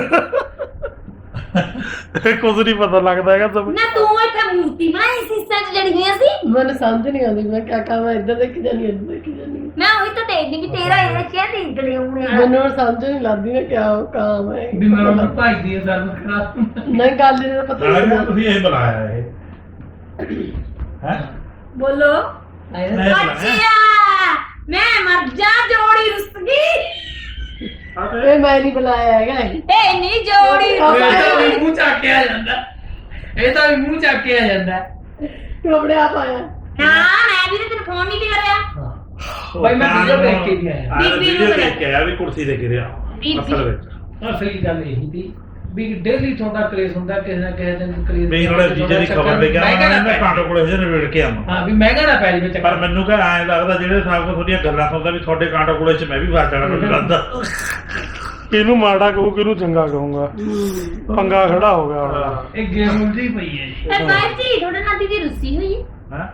ਕੁਝ ਨਹੀਂ ਪਤਾ ਲੱਗਦਾ ਹੈਗਾ ਸਭ ਨਾ ਤੂੰ ਇੱਥੇ ਮੂਰਤੀ ਬਣਾਈ ਸੀ ਸੱਚ ਜੜੀਆਂ ਸੀ ਮੈਨੂੰ ਸਮਝ ਨਹੀਂ ਆਉਂਦੀ ਮੈਂ ਕਿਆ ਕਰਾਂ ਇੱਧਰ ਦੇਖ ਜਾਨੀ ਇੱਧਰ ਦੇਖ ਜਾਨੀ ਮੈਂ ਉਹੀ ਤਾਂ ਦੇਖਦੀ ਕਿ ਤੇਰਾ ਇਹ ਕਿਆ ਦੇਖਦੇ ਹੋਣੇ ਆ ਮੈਨੂੰ ਹੁਣ ਸਮਝ ਨਹੀਂ ਲੱਗਦੀ ਨਾ ਕਿਆ ਕੰਮ ਹੈ ਵੀ ਮੈਂ ਉਹਨਾਂ ਭਾਈ ਦੀ ਸਰਵ ਕਰਾ ਨਹੀਂ ਗੱਲ ਨਹੀਂ ਪਤਾ ਨਾਲੇ ਨਹੀਂ ਵੀ ਤੁਸੀਂ ਇਹ ਬੁਲਾਇਆ ਇਹ ਹੈ ਬੋਲੋ ਨਹੀਂ ਬੁਲਾਇਆ ਅੱਛਾ ਮੈਂ ਮਰ ਜਾ ਜੋੜੀ ਰੁੱਸ ਗਈ ਇਹ ਮੈਂ ਨਹੀਂ ਬੁਲਾਇਆ ਹੈਗਾ ਇਹ। ਇਹ ਨਹੀਂ ਜੋੜੀ ਇਹ ਤਾਂ ਵੀ ਮੂੰਹ ਚੱਕ ਕੇ ਆ ਜਾਂਦਾ ਇਹ ਤਾਂ ਵੀ ਮੂੰਹ ਚੱਕ ਕੇ ਆ ਜਾਂਦਾ ਤੂੰ ਆਪਣੇ ਆਪ ਆਇਆ ਹਾਂ ਮੈਂ ਵੀ ਤਾਂ ਤੈਨੂੰ ਫੋਨ ਨਹੀਂ ਕਰਿਆ ਭਾਈ ਮੈਂ ਵੀਡੀਓ ਦੇਖ ਕੇ ਵੀ ਆਇਆ ਬੀਬੀ ਨੂੰ ਵੀਡੀਓ ਦੇਖ ਕੇ ਆਇਆ ਵੀ ਕੁਰਸੀ ਤੇ ਗਿਰਿਆ ਬੀਬੀ। ਅਸਲ ਵਿੱਚ ਅਸਲੀ ਗੱਲ ਇਹ ਸੀ ਵੀ ਡੇਲੀ ਤੁਹਾਡਾ ਕਲੇਸ਼ ਹੁੰਦਾ ਕਿਸੇ ਨਾ ਕਿਸੇ ਦਿਨ ਕਲੇਸ਼ ਵੀ ਨਾਲੇ ਜੀਜੇ ਦੀ ਖਬਰ ਲੈ ਕੇ ਆਵਾਂ ਮੈਂ ਕਾਂਟੋ ਕੋਲੇ ਹਜੇ ਨਿਬੇੜ ਕੇ ਆਵਾਂ ਹਾਂ ਵੀ ਮਹਿੰਗਾ ਨਾ ਪੈ ਜਾਵੇ ਪਰ ਚੱਕਰ ਮੈਨੂੰ ਕਹ ਐਂ ਲੱਗਦਾ ਜਿਹੜੇ ਹਿਸਾਬ ਨਾਲ ਤੁਹਾਡੀਆਂ ਗੱਲਾਂ ਸੁਣਦਾ ਵੀ ਤੁਹਾਡੇ ਕਾਂਟੋ ਕੋਲੇ ਚ ਮੈਂ ਵੀ ਫਸ ਜਾਣਾ ਮੈਨੂੰ ਲੱਗਦਾ ਕਿਹਨੂੰ ਮਾੜਾ ਕਹੂੰ ਕਿਹਨੂੰ ਚੰਗਾ ਕਹੂੰਗਾ ਪੰਗਾ ਖੜਾ ਹੋ ਗਿਆ ਹੁਣ ਇਹ ਗੇਮ ਉਲਝੀ ਪਈ ਹੈ ਜੀ ਇਹ ਬਾਜੀ ਤੁਹਾਡੇ ਨਾਲ ਦੀਦੀ ਰੁੱਸੀ ਹੋਈ ਹੈ ਹੈ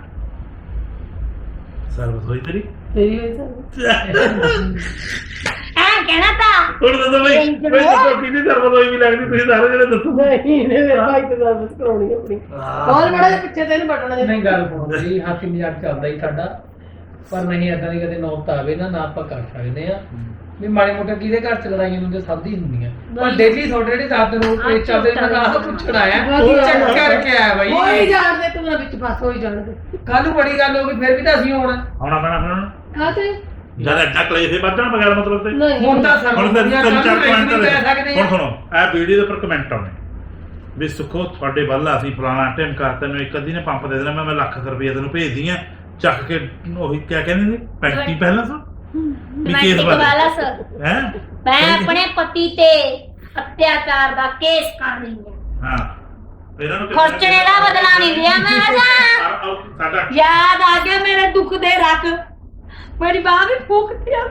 ਸਰਵਿਸ ਹੋਈ ਤੇਰੀ ਤੇਰੀ ਵਜ੍ਹਾ ਐ ਕਹਿਣਾ ਤਾਂ ਹੁਣ ਦੱਸੋ ਬਈ ਦੱਸੋ ਕਿਹਦੀ ਸਰਵਿਸ ਹੋਈ ਵੀ ਲੱਗਦੀ ਤੁਸੀਂ ਸਾਰੇ ਜਿਹੜੇ ਦੱਸੋ ਨਹੀਂ ਇਹਨੇ ਮੇਰੇ ਭਾਈ ਤੇ ਸਰਵਿਸ ਕਰਾਉਣੀ ਆਪਣੀ ਬਹੁਤ ਬੜਾ ਜਿਹਾ ਪਿੱਛੇ ਤੇ ਇਹਨੂੰ ਬਟਣਾ ਨਹੀਂ ਗੱਲ ਸੁਣੋ ਜੀ ਹਾਸੀ ਮਜ਼ਾਕ ਚੱਲਦਾ ਹੀ ਸਾਡਾ ਪਰ ਨਹੀਂ ਏਦਾਂ ਦੀ ਕਦੇ ਨੌਬਤ ਆਵੇ ਨਾ ਆਪਾਂ ਕਰ ਸਕਦੇ ਆ ਵੀ ਮਾੜੇ ਮੋਟੇ ਕਿਹਦੇ ਘਰ ਚ ਲੜਾਈਆਂ ਹੁੰਦੀਆਂ ਸਭ ਦੀ ਹੁੰਦੀਆਂ ਪਰ ਡੇਲੀ ਤੁਹਾਡੇ ਜਿਹੜੇ ਸਾਥ ਰੋਡ ਤੇ ਚੱਲਦੇ ਮੈਂ ਆਹ ਪੁੱਛਣ ਆਇਆ ਉਹ ਚੈੱਕ ਕਰਕੇ ਆਇਆ ਬਾਈ ਹੋਈ ਜਾਣਦੇ ਤੂੰ ਨਾ ਵਿੱਚ ਫਸ ਹੋਈ ਜਾਣਦੇ ਕੱਲ ਨੂੰ ਬੜੀ ਗੱਲ ਹੋ ਗਈ ਫਿਰ ਵੀ ਤਾਂ ਅਸੀਂ ਹੋਣਾ ਆਉਣਾ ਪੈਣਾ ਫਿਰ ਹੁਣ ਕਾਤੇ ਜਦ ਐਡਾ ਕਲੇਸ਼ ਹੀ ਵੱਧਣ ਬਗੈਰ ਮਤਲਬ ਤੇ ਨਹੀਂ ਹੁਣ ਤਾਂ ਸਰ ਹੁਣ ਤਿੰਨ ਚਾਰ ਕਮੈਂਟ ਕਹਿ ਸਕਦੇ ਹੁਣ ਆ ਸੁਣੋ ਇਹ ਵੀਡੀਓ ਦੇ ਉੱਪਰ ਕਮੈਂਟ ਆਉਣੇ ਵੀ ਸੁਖੋ ਤੁਹਾਡੇ ਵੱਲ ਅਸੀਂ ਫਲਾਣਾ ਢਿਮਕਾ ਤੈਨੂੰ ਇੱਕ ਅੱਧੀ ਨੇ ਪੰਪ ਦੇ ਦੇਣਾ ਮੈਂ ਲੱਖ ਰੁਪਏ ਤੈਨੂੰ ਭੇਜਦੀ ਆ ਚੱਕ ਕੇ ਉਹੀ ਕਿਆ ਕਹਿੰਦੇ ਨੇ ਪੈਂਟੀ ਪਹਿਲਾਂ ਸੋ ਵੀ ਕੇਸ ਵਾਲਾ ਸਰ ਹੈ ਮੈਂ ਆਪਣੇ ਪਤੀ ਤੇ ਅਤਿਆਚਾਰ ਦਾ ਕੇਸ ਕਰ ਰਹੀ ਹਾਂ ਹਾਂ ਇਹਨਾਂ ਨੂੰ ਖਰਚਣੇ ਦਾ ਬਦਲਾ ਨਹੀਂ ਲਿਆ ਮੈਂ ਆਜਾ ਸਾਡਾ ਯਾਦ ਆ ਗਿਆ ਮੇਰੇ ਦੁੱਖ ਦੇ ਰੱਖ ਮੇਰੀ ਬਾਹ ਵੀ ਫੂਕਤੀ ਆ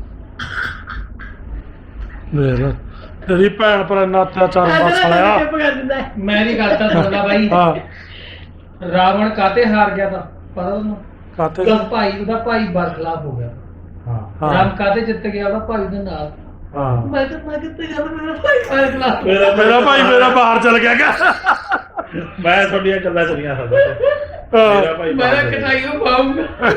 ਦੇਖ ਤੇਰੀ ਭੈਣ ਪਰ ਇੰਨਾ ਅਤਿਆਚਾਰ ਬਸ ਆਇਆ ਚੁੱਪ ਕਰ ਦਿੰਦਾ ਹੈ। ਮੈਂ ਨਹੀਂ ਕਰਤਾ ਸੁਣਦਾ ਬਾਈ ਹਾਂ ਰਾਵਣ ਕਾਤੇ ਹਾਰ ਗਿਆ ਤਾਂ ਪਤਾ ਤੁਹਾਨੂੰ ਕਾਤੇ ਉਹਦਾ ਭਾਈ ਬਰਖਲਾਫ ਹੋ ਗਿਆ ਹਾਂ ਰਾਮ ਕਾਤੇ ਜਿੱਤ ਗਿਆ ਉਹਦਾ ਭਾਈ ਦੇ ਨਾਲ ਹਾਂ ਮੈਂ ਕਿੱਥੇ ਜਾਂਦਾ ਮੇਰਾ ਭਾਈ ਬਰਖਲਾਫ ਮੇਰਾ ਭਾਈ ਮੇਰਾ ਬਾਹਰ ਚਲ ਗਿਆ ਗਾ ਮੈਂ ਤੁਹਾਡੀਆਂ ਗੱਲਾਂ ਚਲੀਆਂ ਸਕਦਾ ਮੇਰਾ ਭਾਈ ਮੈਂ ਬਾਹਰ ਚਲਾ ਕਟਾਈ ਨੂੰ ਪਾਉਂਗਾ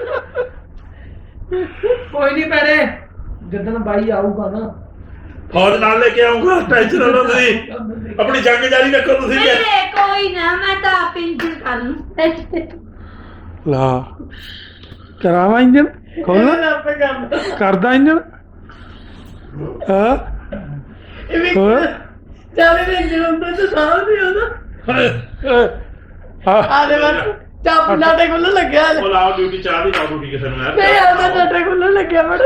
ਕੋਈ ਨਹੀਂ ਪੈਣੇ ਜਦੋਂ ਬਾਈ ਆਊਗਾ ਨਾ ਫੌਜ ਨਾਲ ਲੈ ਕੇ ਆਉਂਗਾ ਟੈਨਸ਼ਨ ਨਾ ਲਓ ਤੁਸੀਂ ਆਪਣੀ ਜੰਗ ਜਾਰੀ ਰੱਖੋ ਤੁਸੀਂ ਵੀ ਮੇਰੇ ਕੋਈ ਨਾ ਮੈਂ ਤਾਂ ਆਪ ਇੰਜਨ ਕਰ ਲੂੰ ਲਾ ਕਰਾਵਾ ਇੰਜਨ ਖੋਲ ਆਪੇ ਕੰਮ ਕਰਦਾ ਇੰਜਨ ਹਾਂ ਹੋਰ ਚਾਵੇ ਦੇ ਜਿਉਂਦੇ ਤੇ ਸਾਹ ਨਹੀਂ ਆਉਂਦਾ ਹਾਂ ਆਦੇ ਵਾਰ ਚਾਪ ਨਾਟੇ ਖੁੱਲਣ ਲੱਗਿਆ ਉਹ ਲਾਓ ਡਿਊਟੀ ਚਾਹ ਦੀ ਲਾਓ ਡਿਊਟੀ ਕਿਸੇ ਨੂੰ ਯਾਰ ਨਹੀਂ ਆਉਂਦਾ ਨਾਟੇ ਖੁੱਲਣ ਲੱਗਿਆ ਬੜਾ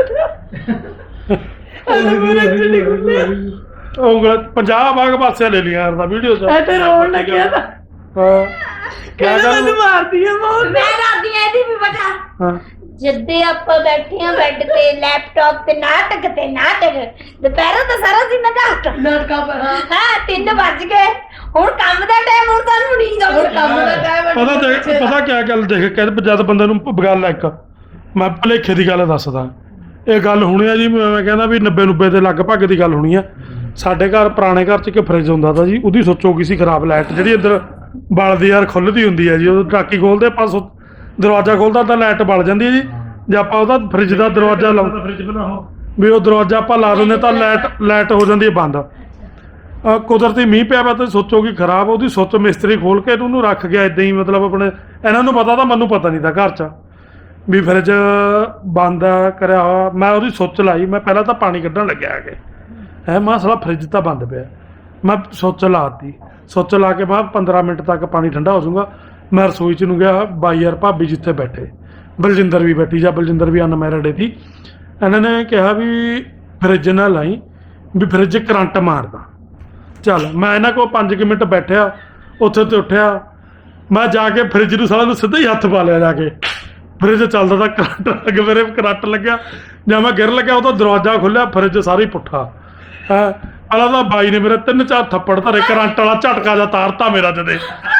ਅਰੇ ਮੇਰੇ ਚੜੀ ਖੁੱਲੇ ਉਂਗਲ 50 ਬਾਗ ਪਾਸੇ ਲੈ ਲਿਆ ਯਾਰ ਦਾ ਵੀਡੀਓ ਚ ਐ ਤੇ ਰੋਣ ਲੱਗਿਆ ਤਾਂ ਹਾਂ ਕਿਆ ਗੱਲ ਮਾਰਦੀ ਆ ਮੌਤ। ਮੈਂ ਰਾਦੀ ਇਹਦੀ ਵੀ ਬਤਾ ਹਾਂ ਜੱਦੇ ਆਪਾਂ ਬੈਠੇ ਆ ਬੈੱਡ ਤੇ ਲੈਪਟਾਪ ਤੇ ਨਾਟਕ ਦੁਪਹਿਰਾਂ ਤਾਂ ਸਾਰਾ ਦਿਨ ਨਾਟਕ ਨਾਟਕਾਂ ਪਰ ਹਾਂ 3 ਵੱਜ ਗਏ ਹੁਣ ਕੰਮ ਦਾ ਟਾਈਮ ਹੁਣ ਤੁਹਾਨੂੰ ਨੀਂਦ ਹੁਣ ਆਉਂਦੀ ਕੰਮ ਦਾ ਟਾਈਮ ਪਤਾ ਕਿਆ ਗੱਲ ਦੇਖ ਕਹਿੰਦੇ ਜਦ ਬੰਦੇ ਨੂੰ ਗੱਲ ਆ ਇੱਕ ਮੈਂ ਭੁਲੇਖੇ ਦੀ ਗੱਲ ਦੱਸਦਾ ਇਹ ਗੱਲ ਹੋਣੀ ਆ ਜੀ ਮੈਂ ਕਹਿੰਦਾ ਵੀ 90 ਦੇ ਲਗਭਗ ਦੀ ਗੱਲ ਹੋਣੀ ਆ ਸਾਡੇ ਘਰ ਪੁਰਾਣੇ ਘਰ 'ਚ ਇੱਕ ਫਰਿੱਜ ਹੁੰਦਾ ਤਾ ਜੀ ਉਹਦੀ ਸੋਚੋ ਕੀ ਸੀ ਖਰਾਬ ਲਾਈਟ ਜਿਹੜੀ ਅੰਦਰ ਬਲਦੀ ਯਾਰ ਖੁੱਲ੍ਹਦੀ ਹੁੰਦੀ ਹੈ ਜੀ ਉਹ ਟਾਕੀ ਖੋਲਦੇ ਆਪਾਂ ਦਰਵਾਜ਼ਾ ਖੋਲਦਾ ਤਾਂ ਲਾਈਟ ਬਲ ਜਾਂਦੀ ਹੈ ਜੀ ਜੇ ਆਪਾਂ ਉਹਦਾ ਫਰਿੱਜ ਦਾ ਦਰਵਾਜ਼ਾ ਲਾਉਂਦਾ ਫ੍ਰਿਜ ਬਣਾਓ ਵੀ ਉਹ ਦਰਵਾਜ਼ਾ ਆਪਾਂ ਲਾ ਦਿੰਦੇ ਤਾਂ ਲਾਈਟ ਹੋ ਜਾਂਦੀ ਹੈ ਬੰਦ ਕੁਦਰਤੀ ਮੀਂਹ ਪਿਆ ਵਾ ਤੇ ਸੋਚੋ ਕਿ ਖਰਾਬ ਉਹਦੀ ਸੁੱਚ ਮਿਸਤਰੀ ਖੋਲ ਕੇ ਉਹਨੂੰ ਰੱਖ ਗਿਆ ਇਦਾਂ ਹੀ ਮਤਲਬ ਆਪਣੇ ਇਹਨਾਂ ਨੂੰ ਪਤਾ ਤਾਂ ਮੈਨੂੰ ਪਤਾ ਨਹੀਂ ਤਾਂ ਘਰ 'ਚ ਵੀ ਫਰਿੱਜ ਬੰਦ ਕਰਿਆ ਹੋਇਆ ਮੈਂ ਉਹਦੀ ਸੁੱਚ ਲਾਈ ਮੈਂ ਪਹਿਲਾਂ ਤਾਂ ਪਾਣੀ ਕੱਢਣ ਲੱਗਿਆ ਆ ਕੇ ਹੈ ਮੈਂ ਸਾਲਾ ਫਰਿੱਜ ਤਾਂ ਬੰਦ ਪਿਆ ਮੈਂ ਸੁੱਚ ਲਾਤੀ ਸੁੱਚ ਲਾ ਕੇ ਮੈਂ 15 ਮਿੰਟ ਤੱਕ ਪਾਣੀ ਠੰਡਾ ਹੋ ਜਾਊਗਾ ਮੈਂ ਰਸੋਈ 'ਚ ਨੂੰ ਗਿਆ ਬਾਈ ਯਾਰ ਭਾਬੀ ਜਿੱਥੇ ਬੈਠੇ ਬਲਜਿੰਦਰ ਵੀ ਬੈਠੀ ਜਾਂ ਬਲਜਿੰਦਰ ਵੀ ਅਨਮੈਰਿਡ ਸੀ ਇਹਨਾਂ ਨੇ ਕਿਹਾ ਵੀ ਫਰਿੱਜ ਨਾ ਲਾਈ ਵੀ ਫਰਿੱਜ ਕਰੰਟ ਮਾਰਦਾ ਚੱਲ ਮੈਂ ਇਹਨਾਂ ਕੋਲ 5 ਮਿੰਟ ਬੈਠਿਆ ਉੱਥੇ ਤੇ ਉੱਠਿਆ ਮੈਂ ਜਾ ਕੇ ਫਰਿੱਜ ਨੂੰ ਸਾਲਾ ਨੂੰ ਸਿੱਧਾ ਹੀ ਹੱਥ ਪਾ ਲਿਆ ਜਾ ਕੇ ਫਰਿੱਜ ਚੱਲਦਾ ਤਾਂ ਕਰੰਟ ਲੱਗਿਆ ਜਾਂ ਮੈਂ ਗਿਰ ਲੱਗਿਆ ਉਹ ਤਾਂ ਦਰਵਾਜ਼ਾ ਖੁੱਲਿਆ ਫਰਿੱਜ ਸਾਰਾ ਹੀ ਪੁੱਠਾ ਹੈ ਅਲਾ ਤਾਂ ਬਾਈ ਨੇ ਮੇਰੇ 3-4 ਥੱਪੜ ਧਰੇ ਕਰੰਟ ਵਾਲਾ ਝਟਕਾ ਜਾ ਤਾਰਤਾ ਮੇਰਾ ਜਦੇ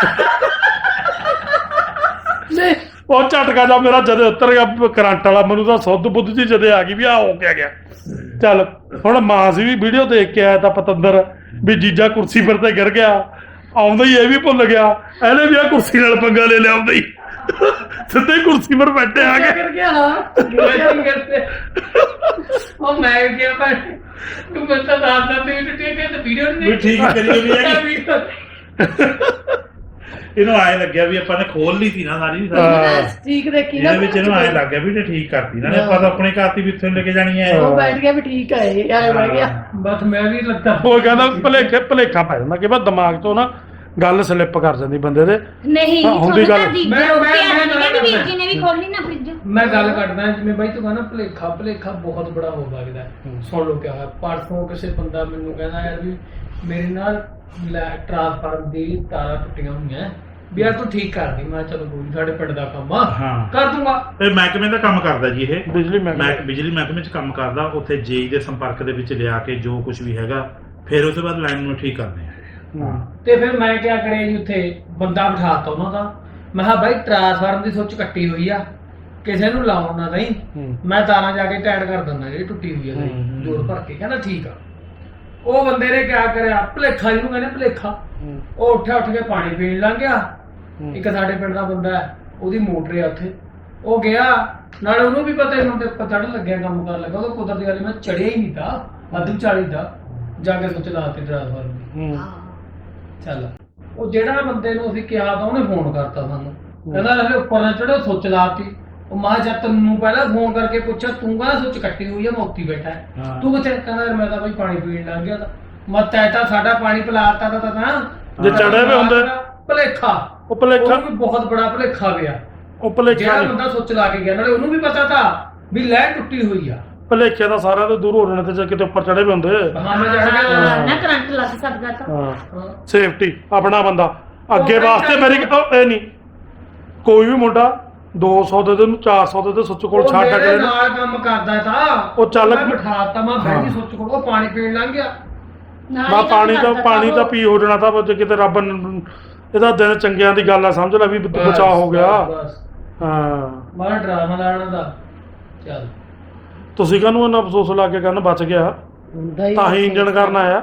ਉਹ ਝਟਕਾ ਜਾ ਮੇਰਾ ਜਦੇ ਉੱਤਰ ਗਿਆ ਕਰੰਟ ਵਾਲਾ ਮੈਨੂੰ ਤਾਂ ਸੁੱਧ ਬੁੱਧ ਜੀ ਜਦੇ ਆ ਗਈ ਵੀ ਆ ਹੋ ਗਿਆ ਚੱਲ ਹੁਣ ਮਾਂ ਸੀ ਵੀ ਵੀਡੀਓ ਦੇਖ ਕੇ ਆਇਆ ਤਾਂ ਪਤੰਦਰ ਵੀ ਜੀਜਾ ਕੁਰਸੀ ਪਰ ਤੇ ਗਿਰ ਗਿਆ ਆਉਂਦਾ ਹੀ ਇਹ ਵੀ ਭੁੱਲ ਗਿਆ ਇਹਨੇ ਵੀ ਆ ਕੁਰਸੀ ਨਾਲ ਪੰਗਾ ਲੈ ਲਿਆ ਆਉਂਦਾ ਹੀ ਸਿੱਧੇ ਕੁਰਸੀ ਪਰ ਬੈਠੇ ਆ ਗਏ ਕਰ ਗਿਆ ਹਾਂ ਉਹ ਮੈਂ ਕਿਹਾ ਭਾਈ ਤੂੰ ਮੈਨੂੰ ਤਾਂ ਦੱਸ ਦਿੰਦੀ ਵੀ ਠੀਕ ਹੈ ਤੇ ਵੀਡੀਓ ਨਹੀਂ ਵੀ ਠੀਕ ਕਰੀ ਹੋਈ ਹੈ ਇਹਨੂੰ ਆਏ ਲੱਗਿਆ ਵੀ ਆਪਾਂ ਨੇ ਖੋਲ ਲਈ ਸੀ ਨਾ ਸਾਰੀ ਠੀਕ ਦੇਖੀ ਨਾ ਇਹਦੇ ਵਿੱਚ ਇਹਨੂੰ ਆਏ ਲੱਗ ਗਿਆ ਵੀ ਇਹ ਠੀਕ ਕਰਤੀ ਨਾ ਆਪਾਂ ਤਾਂ ਆਪਣੇ ਘਰ ਦੀ ਵੀ ਇੱਥੇ ਲੈ ਕੇ ਜਾਣੀ ਹੈ ਉਹ ਬੈਠ ਗਿਆ ਵੀ ਠੀਕ ਹੈ ਇਹ ਆਏ ਬਹਿ ਗਿਆ ਬਸ ਮੈਂ ਵੀ ਲੱਗਾ ਉਹ ਕਹਿੰਦਾ ਭੁਲੇਖਾ ਪੈ ਜਾਂਦਾ ਕਿ ਬਸ ਦਿਮਾਗ ਤੋਂ ਨਾ ਗੱਲ ਸਲਿੱਪ ਕਰ ਜਾਂਦੀ ਬੰਦੇ ਦੇ ਨਹੀਂ ਹਾਂ, ਹੁੰਦੀ ਗੱਲ। ਕਹਿੰਦੀ ਵੀਰ ਜੀ ਨੇ ਵੀ ਖੋਲੀ ਨਾ ਫ੍ਰਿਜ ਮੈਂ ਗੱਲ ਕਰਦਾ ਜਿਵੇਂ ਬਾਈ ਤੂੰ ਕਹਿੰਦਾ ਭੁਲੇਖਾ ਬਹੁਤ ਬੜਾ ਹੋ ਸਕਦਾ ਸੁਣ ਲਓ ਕਿਆ ਹੋਇਆ ਪਰਸੋਂ ਕਿਸੇ ਬੰਦਾ ਮੈਨੂੰ ਕਹਿੰਦਾ ਯਾਰ ਵੀ ਮੇਰੇ ਨਾਲ ਟਰਾਂਸਫਾਰਮ ਦੀ ਤਾਰਾਂ ਟੁੱਟੀਆਂ ਹੋਈਆਂ ਵੀ ਯਾਰ ਤੂੰ ਠੀਕ ਕਰ ਦੀ ਮੈਂ ਚਲੋ ਕੋਈ ਸਾਡੇ ਪਿੰਡ ਦਾ ਕੰਮ ਆ ਹਾਂ ਕਰ ਦੂੰਗਾ ਇਹ ਮਹਿਕਮੇ ਦਾ ਕੰਮ ਕਰਦਾ ਜੀ ਇਹ ਬਿਜਲੀ ਮਹਿਕਮਾ ਬਿਜਲੀ ਮਹਿਕਮੇ 'ਚ ਕੰਮ ਕਰਦਾ ਉੱਥੇ ਜੇਈ ਦੇ ਸੰਪਰਕ ਦੇ ਵਿੱਚ ਲਿਆ ਕੇ ਜੋ ਕੁਝ ਵੀ ਹੈਗਾ ਫਿਰ ਉਸ ਤੋਂ ਬਾਅਦ ਲਾਈਨ ਨੂੰ ਠੀਕ ਕਰਦੇ ਆ ਤੇ ਫਿਰ ਮੈਂ ਕਿਆ ਕਰਿਆ ਜੀ ਉੱਥੇ ਬੰਦਾ ਬਿਠਾਤਾ ਉਹਨਾਂ ਦਾ ਮੈਂ ਕਿਹਾ ਬਾਈ ਟਰਾਂਸਫਾਰਮ ਦੀ ਸੁੱਚ ਕੱਟੀ ਹੋਈ ਆ ਕਿਸੇ ਨੂੰ ਲਾਉਣ ਨਾ ਨਹੀਂ ਮੈਂ ਤਾਰਾਂ ਜਾ ਕੇ ਟਾਈਟ ਕਰ ਦਿੰਦਾ ਜਿਹੜੀ ਟੁੱਟੀ ਹੋਈ ਆ ਜੋੜ ਭਰ ਕੇ ਕਹਿੰਦਾ ਠੀਕ ਆ ਉਹ ਬੰਦੇ ਨੇ ਕਿਆ ਕਰਿਆ ਭੁਲੇਖਾ ਜਿਹਨੂੰ ਕਹਿੰਦੇ ਭੁਲੇਖਾ ਉਹ ਉੱਠ ਕੇ ਪਾਣੀ ਪੀਣ ਲੰਘ ਗਿਆ ਇੱਕ ਸਾਡੇ ਪਿੰਡ ਦਾ ਬੰਦਾ ਹੈ ਉਹਦੀ ਮੋਟਰ ਆ ਉੱਥੇ ਉਹ ਗਿਆ ਨਾਲੇ ਉਹਨੂੰ ਵੀ ਪਤਾ ਹੁਣ ਤੇ ਚੜ੍ਹਨ ਲੱਗਿਆ ਕੰਮ ਕਰਨ ਲੱਗਾ ਉਹ ਕੁਦਰਤੀ ਗੱਲ ਮੈਂ ਚੜਿਆ ਹੀ ਨਹੀਂ ਤਾਂ ਅੱਧੂ 40 ਦਾ ਜਾ ਕੇ ਸੁੱਚ ਲਾਤੀ ਟਰਾਂਸਫਾਰਮ ਚੱਲ ਉਹ ਜਿਹੜਾ ਬੰਦੇ ਨੂੰ ਅਸੀਂ ਕਿਹਾ ਤਾਂ ਉਹਨੇ ਫੋਨ ਕਰਤਾ ਸਾਨੂੰ ਕਹਿੰਦਾ ਹਲੇ ਉੱਪਰ ਨਾ ਚੜੋ ਸੁੱਚ ਲਾਤੀ ਉਹ ਮਾਂ ਜਦ ਤੈਨੂੰ ਪਹਿਲਾਂ ਫੋਨ ਕਰਕੇ ਪੁੱਛਿਆ ਤੂੰ ਕਹਿੰਦਾ ਸੁੱਚ ਕੱਟੀ ਹੋਈ ਆ ਮੈਂ ਉੱਤੀ ਬੈਠਾ ਤੂੰ ਕਿੱਥੇ ਕਹਿੰਦਾ ਯਾਰ ਮੈਂ ਤਾਂ ਬਈ ਪਾਣੀ ਪੀਣ ਲੱਗ ਗਿਆ ਤਾਂ ਮੈਂ ਤਾਂ ਸਾਡਾ ਪਾਣੀ ਪਿਲਾਤਾ ਤਾਂ ਜੇ ਚੜਿਆ ਵੀ ਹੁੰਦਾ ਭੁਲੇਖਾ ਉਹ ਭੁਲੇਖਾ ਉਹ ਵੀ ਬਹੁਤ ਬੜਾ ਭੁਲੇਖਾ ਪਿਆ ਉਹ ਭੁਲੇਖਾ ਜਿਹੜਾ ਬੰਦਾ ਸੁੱਚ ਲਾ ਕੇ ਗਿਆ ਨਾਲੇ ਉਹਨੂੰ ਵੀ ਪਤਾ ਤਾਂ ਵੀ ਲੈਟ ਟੁੱਟੀ ਹੋਈ ਆ ਭੁਲੇਖੇ ਤਾਂ ਸਾਰਿਆਂ ਤੋਂ ਦੂਰ ਹੋ ਜਾਣੇ ਤੇ ਜੇ ਕਿਤੇ ਉੱਪਰ ਚੜੇ ਵੀ ਹੁੰਦੇ ਹਾਂ ਮੈਂ ਚੜ ਗਿਆ ਨਾ ਕਰੰਟ ਲੱਗ ਸਕਦਾ ਤਾਂ ਹਾਂ ਸੇਫਟੀ ਆਪਣਾ ਬੰਦਾ ਅੱਗੇ ਵਾਸਤੇ ਮੇਰੀ ਇਹ ਨਹੀਂ ਕੋਈ ਵੀ ਮੁੰਡਾ 200 ਦੇ ਨੂੰ 400 ਦੇ ਸੁੱਚ ਕੋਲ ਛੱਡ ਕੇ ਨਾਲ ਕੰਮ ਕਰਦਾ ਤਾਂ ਉਹ ਚੱਲ ਮੈਂ ਬਿਠਾਤਾ ਮੈਂ ਬੈਠੀ ਸੁੱਚ ਕੋਲ ਉਹ ਪਾਣੀ ਪੀਣ ਲੰਘ ਗਿਆ ਬਾ ਪਾਣੀ ਤਾਂ ਪੀ ਹੋ ਜਾਣਾ ਤਾਂ ਜੇ ਕਿਤੇ ਰੱਬ ਇਹਦਾ ਦਿਨ ਚੰਗਿਆਂ ਦੀ ਗੱਲ ਆ ਸਮਝ ਲੈ ਵੀ ਬਚਾਅ ਹੋ ਗਿਆ ਹਾਂ ਮਾਰਾ ਡਰਾਮਾ ਲਾਣਾ ਦਾ ਚੱਲ ਤੁਸੀਂ ਕਾਹਨੂੰ ਇਹਨਾਂ ਅਫਸੋਸ ਲਾ ਕੇ ਕਹਿੰਦਾ ਬਚ ਗਿਆ ਤਾਂ ਹੀ ਇੰਜਣ ਕਰਨ ਆਇਆ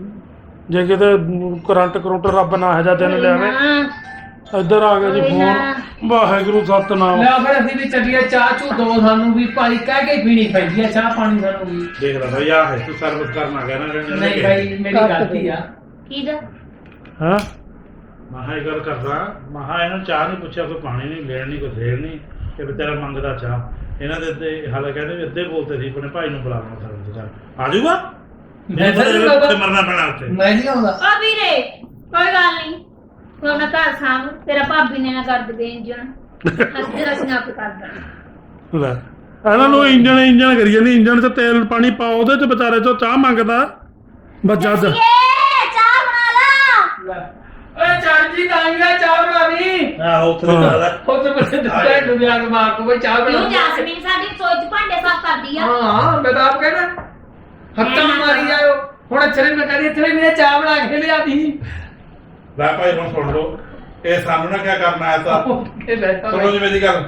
ਜੇ ਕਿਤੇ ਕਰੰਟ ਰੱਬ ਨਾ ਹੈ ਜਾਂ ਦਿਨ ਲਿਆਵੇ ਇੱਧਰ ਆ ਗਿਆ ਜੀ ਫੋਨ ਵਾਹਿਗੁਰੂ ਸਤਨਾਮ ਲੈ ਫਿਰ ਅਸੀਂ ਵੀ ਚੱਲੀਏ ਚਾਹ ਚੂ ਦੋ ਸਾਨੂੰ ਵੀ ਭਾਈ ਕਹਿ ਕੇ ਪੀਣੀ ਪੈਂਦੀ ਆ ਚਾਹ ਪਾਣੀ ਸਾਨੂੰ ਵੀ ਦੇਖ ਲੈ ਭਾਈ ਆ ਹੈ ਤੂੰ ਸਰਵਿਸ ਕਰਨ ਆ ਗਿਆ ਨਾ ਨਹੀਂ ਭਾਈ ਮੇਰੀ ਗਲਤੀ ਆ ਕੀ ਦਾ ਹਾਂ ਮਹਾ ਇਹ ਗੱਲ ਕਰਦਾ ਮਹਾ ਇਹਨੂੰ ਚਾਹ ਨਹੀਂ ਪੁੱਛਿਆ ਕੋਈ ਪਾਣੀ ਨਹੀਂ ਲੈਣ ਨਹੀਂ ਕੋਈ ਦੇਣ ਨਹੀਂ ਇਹ ਵਿਚਾਰਾ ਮੰਗਦਾ ਚਾਹ ਇਹਨਾਂ ਦੇ ਅੱਧੇ ਹਾਲੇ ਕਹਿੰਦੇ ਵੀ ਅੱਧੇ ਬੋਲਦੇ ਸੀ ਆਪਣੇ ਭਾਈ ਨੂੰ ਬੁਲਾਉਣਾ ਸਰਵਿਸ ਕਰ ਆ ਜਾਊਗਾ ਮੈਂ ਤਾਂ ਮਰਨਾ ਪੈਣਾ ਉੱਥੇ ਮੈਂ ਨਹੀਂ ਆਉਂਦਾ ਆ ਵੀਰੇ ਕੋਈ ਗੱਲ ਨਹੀਂ ਤੂੰ ਆਪਣਾ ਘਰ ਸਾਂਭ ਤੇਰਾ ਭਾਬੀ ਨੇ ਨਾ ਕਰ ਦੇਵੇ ਇੰਜਣ ਅਸੀਂ ਆਪ ਕਰ ਦਾਂਗੇ ਲੈ ਇਹਨਾਂ ਨੂੰ ਇੰਜਣ ਕਰੀ ਜਾਂਦੀ ਇੰਜਣ 'ਚ ਤੇਲ ਪਾਣੀ ਪਾਓ ਉਹਦੇ 'ਚ ਵਿਚਾਰੇ 'ਚੋਂ ਚਾਹ ਮੰਗਦਾ ਬਸ ਜਦ ਚਾਹ ਬਣਾ ਲਾ ਓਏ ਚਾਚੀ ਤਾਂ ਗਿਆ ਚਾਹ ਬਣਾ ਲਈ ਆਹ ਉੱਥੇ ਦੀ ਗੱਲ ਹੈ ਉਹ ਤੇ ਬੱਚੇ ਦਿੱਤਾ ਦੁਨੀਆ ਨੂੰ ਮਾਰ ਕੋ ਬਈ ਚਾਹ ਬਣਾ ਕਿਉਂ ਲਈ। ਜੈਸਮੀਨ ਸਾਡੀ ਰਸੋਈ 'ਚ ਭਾਂਡੇ ਸਾਫ਼ ਕਰਦੀ ਆ ਹਾਂ ਮੈਂ ਤਾਂ ਆਪ ਕਹਿਣਾ ਹੱਥਾਂ ਨੂੰ ਮਾਰੀ ਜਾਇਓ ਹੁਣ ਅੱਛਰੇ ਮੈਂ ਕਹਿੰਦੀ ਇੱਥੇ ਮੇਰੇ ਚਾਹ ਬਣਾ ਕੇ ਲਿਆਦੀ ਲੈ ਭਾਈ ਹੁਣ ਸੁਣ ਲਓ ਇਹ ਸਾਨੂੰ ਨਾ ਕਿਆ ਕਰਨਾ ਆਇਆ ਤਾਂ ਕੇ ਬੈਠਾ ਸੁਣੋ ਜੀ ਮੇਰੀ ਗੱਲ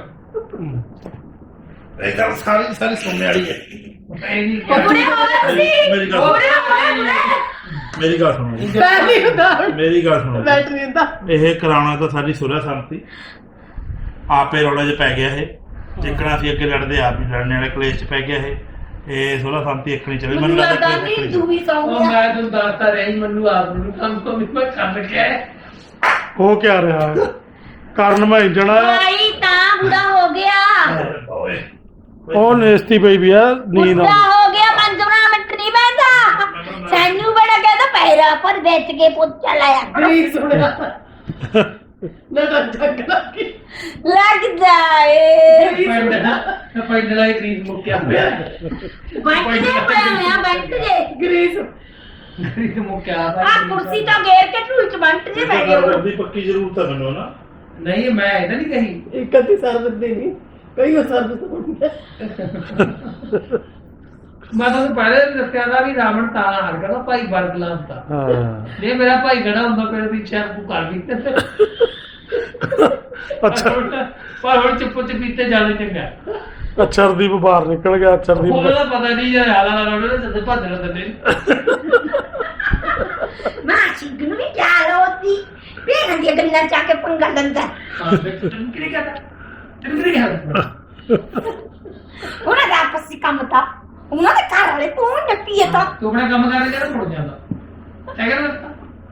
ਇਹ ਗੱਲ ਸਾਰੀ ਸਾਰੀ ਸੁਣਨੇ ਵਾਲੀ ਹੈ ਬੁੜੇ ਹੋ ਗਏ ਤੁਸੀਂ ਮੇਰੀ ਗੱਲ ਬੁੜੇ ਹੋ ਗਏ ਬੁੜੇ ਮੇਰੀ ਗੱਲ ਸੁਣੋ ਜੀ। ਪਹਿਲੀ ਹੁੰਦਾ ਮੇਰੀ ਗੱਲ ਸੁਣੋ ਜੀ। ਬੈਟਰੀ ਹੁੰਦਾ ਇਹ ਕਰਾਉਣਾ ਤਾਂ ਸਾਡੀ ਸੁਲਹ ਸੰਮਤੀ ਆਪੇ ਰੌਲੇ 'ਚ ਪੈ ਗਿਆ ਇਹ ਜਿੱਕਣਾ ਅਸੀਂ ਅੱਗੇ ਲੜਦੇ ਆਪ ਹੀ ਲੜਨੇ ਵਾਲੇ ਕਲੇਸ਼ 'ਚ ਪੈ ਗਿਆ ਇਹ ਸੁਲਹ ਸੰਮਤੀ ਇੱਕ ਨਹੀਂ ਚੱਲੀ ਮੈਨੂੰ ਲੱਗਦਾ ਕਲੇਸ਼ ਨਹੀਂ ਇੱਕ ਤੂੰ ਵੀ ਸੌਂ ਉਹ ਗਿਆ ਮੈਂ ਤੁਹਾਨੂੰ ਦੱਸਦਾ ਰਹੀ ਮੈਨੂੰ ਆਪ ਨੂੰ ਕੰਮ ਤੋਂ ਵੀ ਮੈਂ ਕਰ ਗਿਆ ਉਹ ਕਿਆ ਰਿਹਾ ਹੈ? ਕਰਨ ਮੈਂ ਜਣਾ ਭਾਈ ਤਾਂ ਬੁੜਾ ਹੋ ਗਿਆ ਓਏ ਉਹ ਨੇਸਤੀ ਪਈ ਵੀ ਆ ਨੀਂਦ ਬੁੜਾ ਆਉਂਦੀ ਹੋ ਗਿਆ 5 ਮਿੰਟ ਨਹੀਂ ਬੈਠਾ ਸੈਨੂ ਬੜਾ ਕਹਿੰਦਾ ਪੈਰਾ ਪਰ ਵੇਚ ਕੇ ਪੁੱਛ ਲਾਇਆ ਨਹੀਂ ਸੁਣਿਆ ਨਾ ਤਾਂ ਜੱਗ ਲੱਗੀ ਲੱਗਦਾ ਏ ਪਿੰਡ ਦਾ ਇੱਕ ਰੀਤ ਮੁੱਕਿਆ ਪਿਆ ਬੈਂਕ ਦੇ ਪਿਆ ਬੈਂਕ ਦੇ ਗਰੀਸ ਰੀਤ ਮੁੱਕਿਆ ਆ ਕੁਰਸੀ ਤੋਂ ਘੇਰ ਕੇ ਢੂਲ ਚ ਬੰਟ ਜੇ ਬੈ ਗਏ ਦੀ ਪੱਕੀ ਜ਼ਰੂਰਤ ਹੈ ਮੈਨੂੰ ਨਾ ਨਹੀਂ ਮੈਂ ਇਹਦਾ ਨਹੀਂ ਕਹੀ ਇੱਕ ਅੱਧੀ ਸਰਬਤ ਦੇ ਨਹੀਂ ਕਈ ਉਹ ਸਰਬਤ ਹੁੰਦਾ ਮੈਂ ਤੁਹਾਨੂੰ ਪਹਿਲੇ ਵੀ ਦੱਸਿਆ ਦਾ ਵੀ ਰਾਵਣ ਤਾਂ ਹਾਰ ਗਿਆ ਭਾਈ ਬਰਗਲਾ ਹੁੰਦਾ ਹਾਂ ਜੇ ਮੇਰਾ ਭਾਈ ਖੜਾ ਹੁੰਦਾ ਫਿਰ ਵੀ ਸ਼ਾਇਦ ਤੂੰ ਕਰ ਵੀ ਅੱਛਾ ਪਰ ਹੁਣ ਚੁੱਪ ਚਪੀਤੇ ਜਾਣੇ ਚੰਗਾ ਅਚਰਦੀਪ ਬਾਹਰ ਨਿਕਲ ਗਿਆ ਅਚਰਦੀਪ ਉਹਦਾ ਪਤਾ ਨਹੀਂ ਯਾਰ ਹਾਲਾ ਨਾਲ ਉਹਨੇ ਸੱਦੇ ਭੱਜ ਰਹੇ ਨੇ ਮੈਂ ਚਿੰਗ ਨੂੰ ਵੀ ਚਾਲ ਹੋਤੀ ਵੀ ਦੀਆਂ ਗੱਲਾਂ ਚਾ ਕੇ ਪੰਗਾ ਲੰਦਾ ਹਾਂ ਟੰਕਰੀ ਕਰਦਾ ਟੰਕਰੀ ਕਰਦਾ ਉਹਨਾਂ ਦਾ ਆਪਸੀ ਕੰਮ ਤਾਂ ਉਹਨਾਂ ਦੇ ਘਰ ਵਾਲੇ ਤੂੰ ਨੱਪੀਏ ਤਾਂ ਤੂੰ ਆਪਣਾ ਕੰਮ ਕਰਨ ਜਿਹੜਾ ਮੁੜ ਜਾਂਦਾ ਹੈ ਕਿ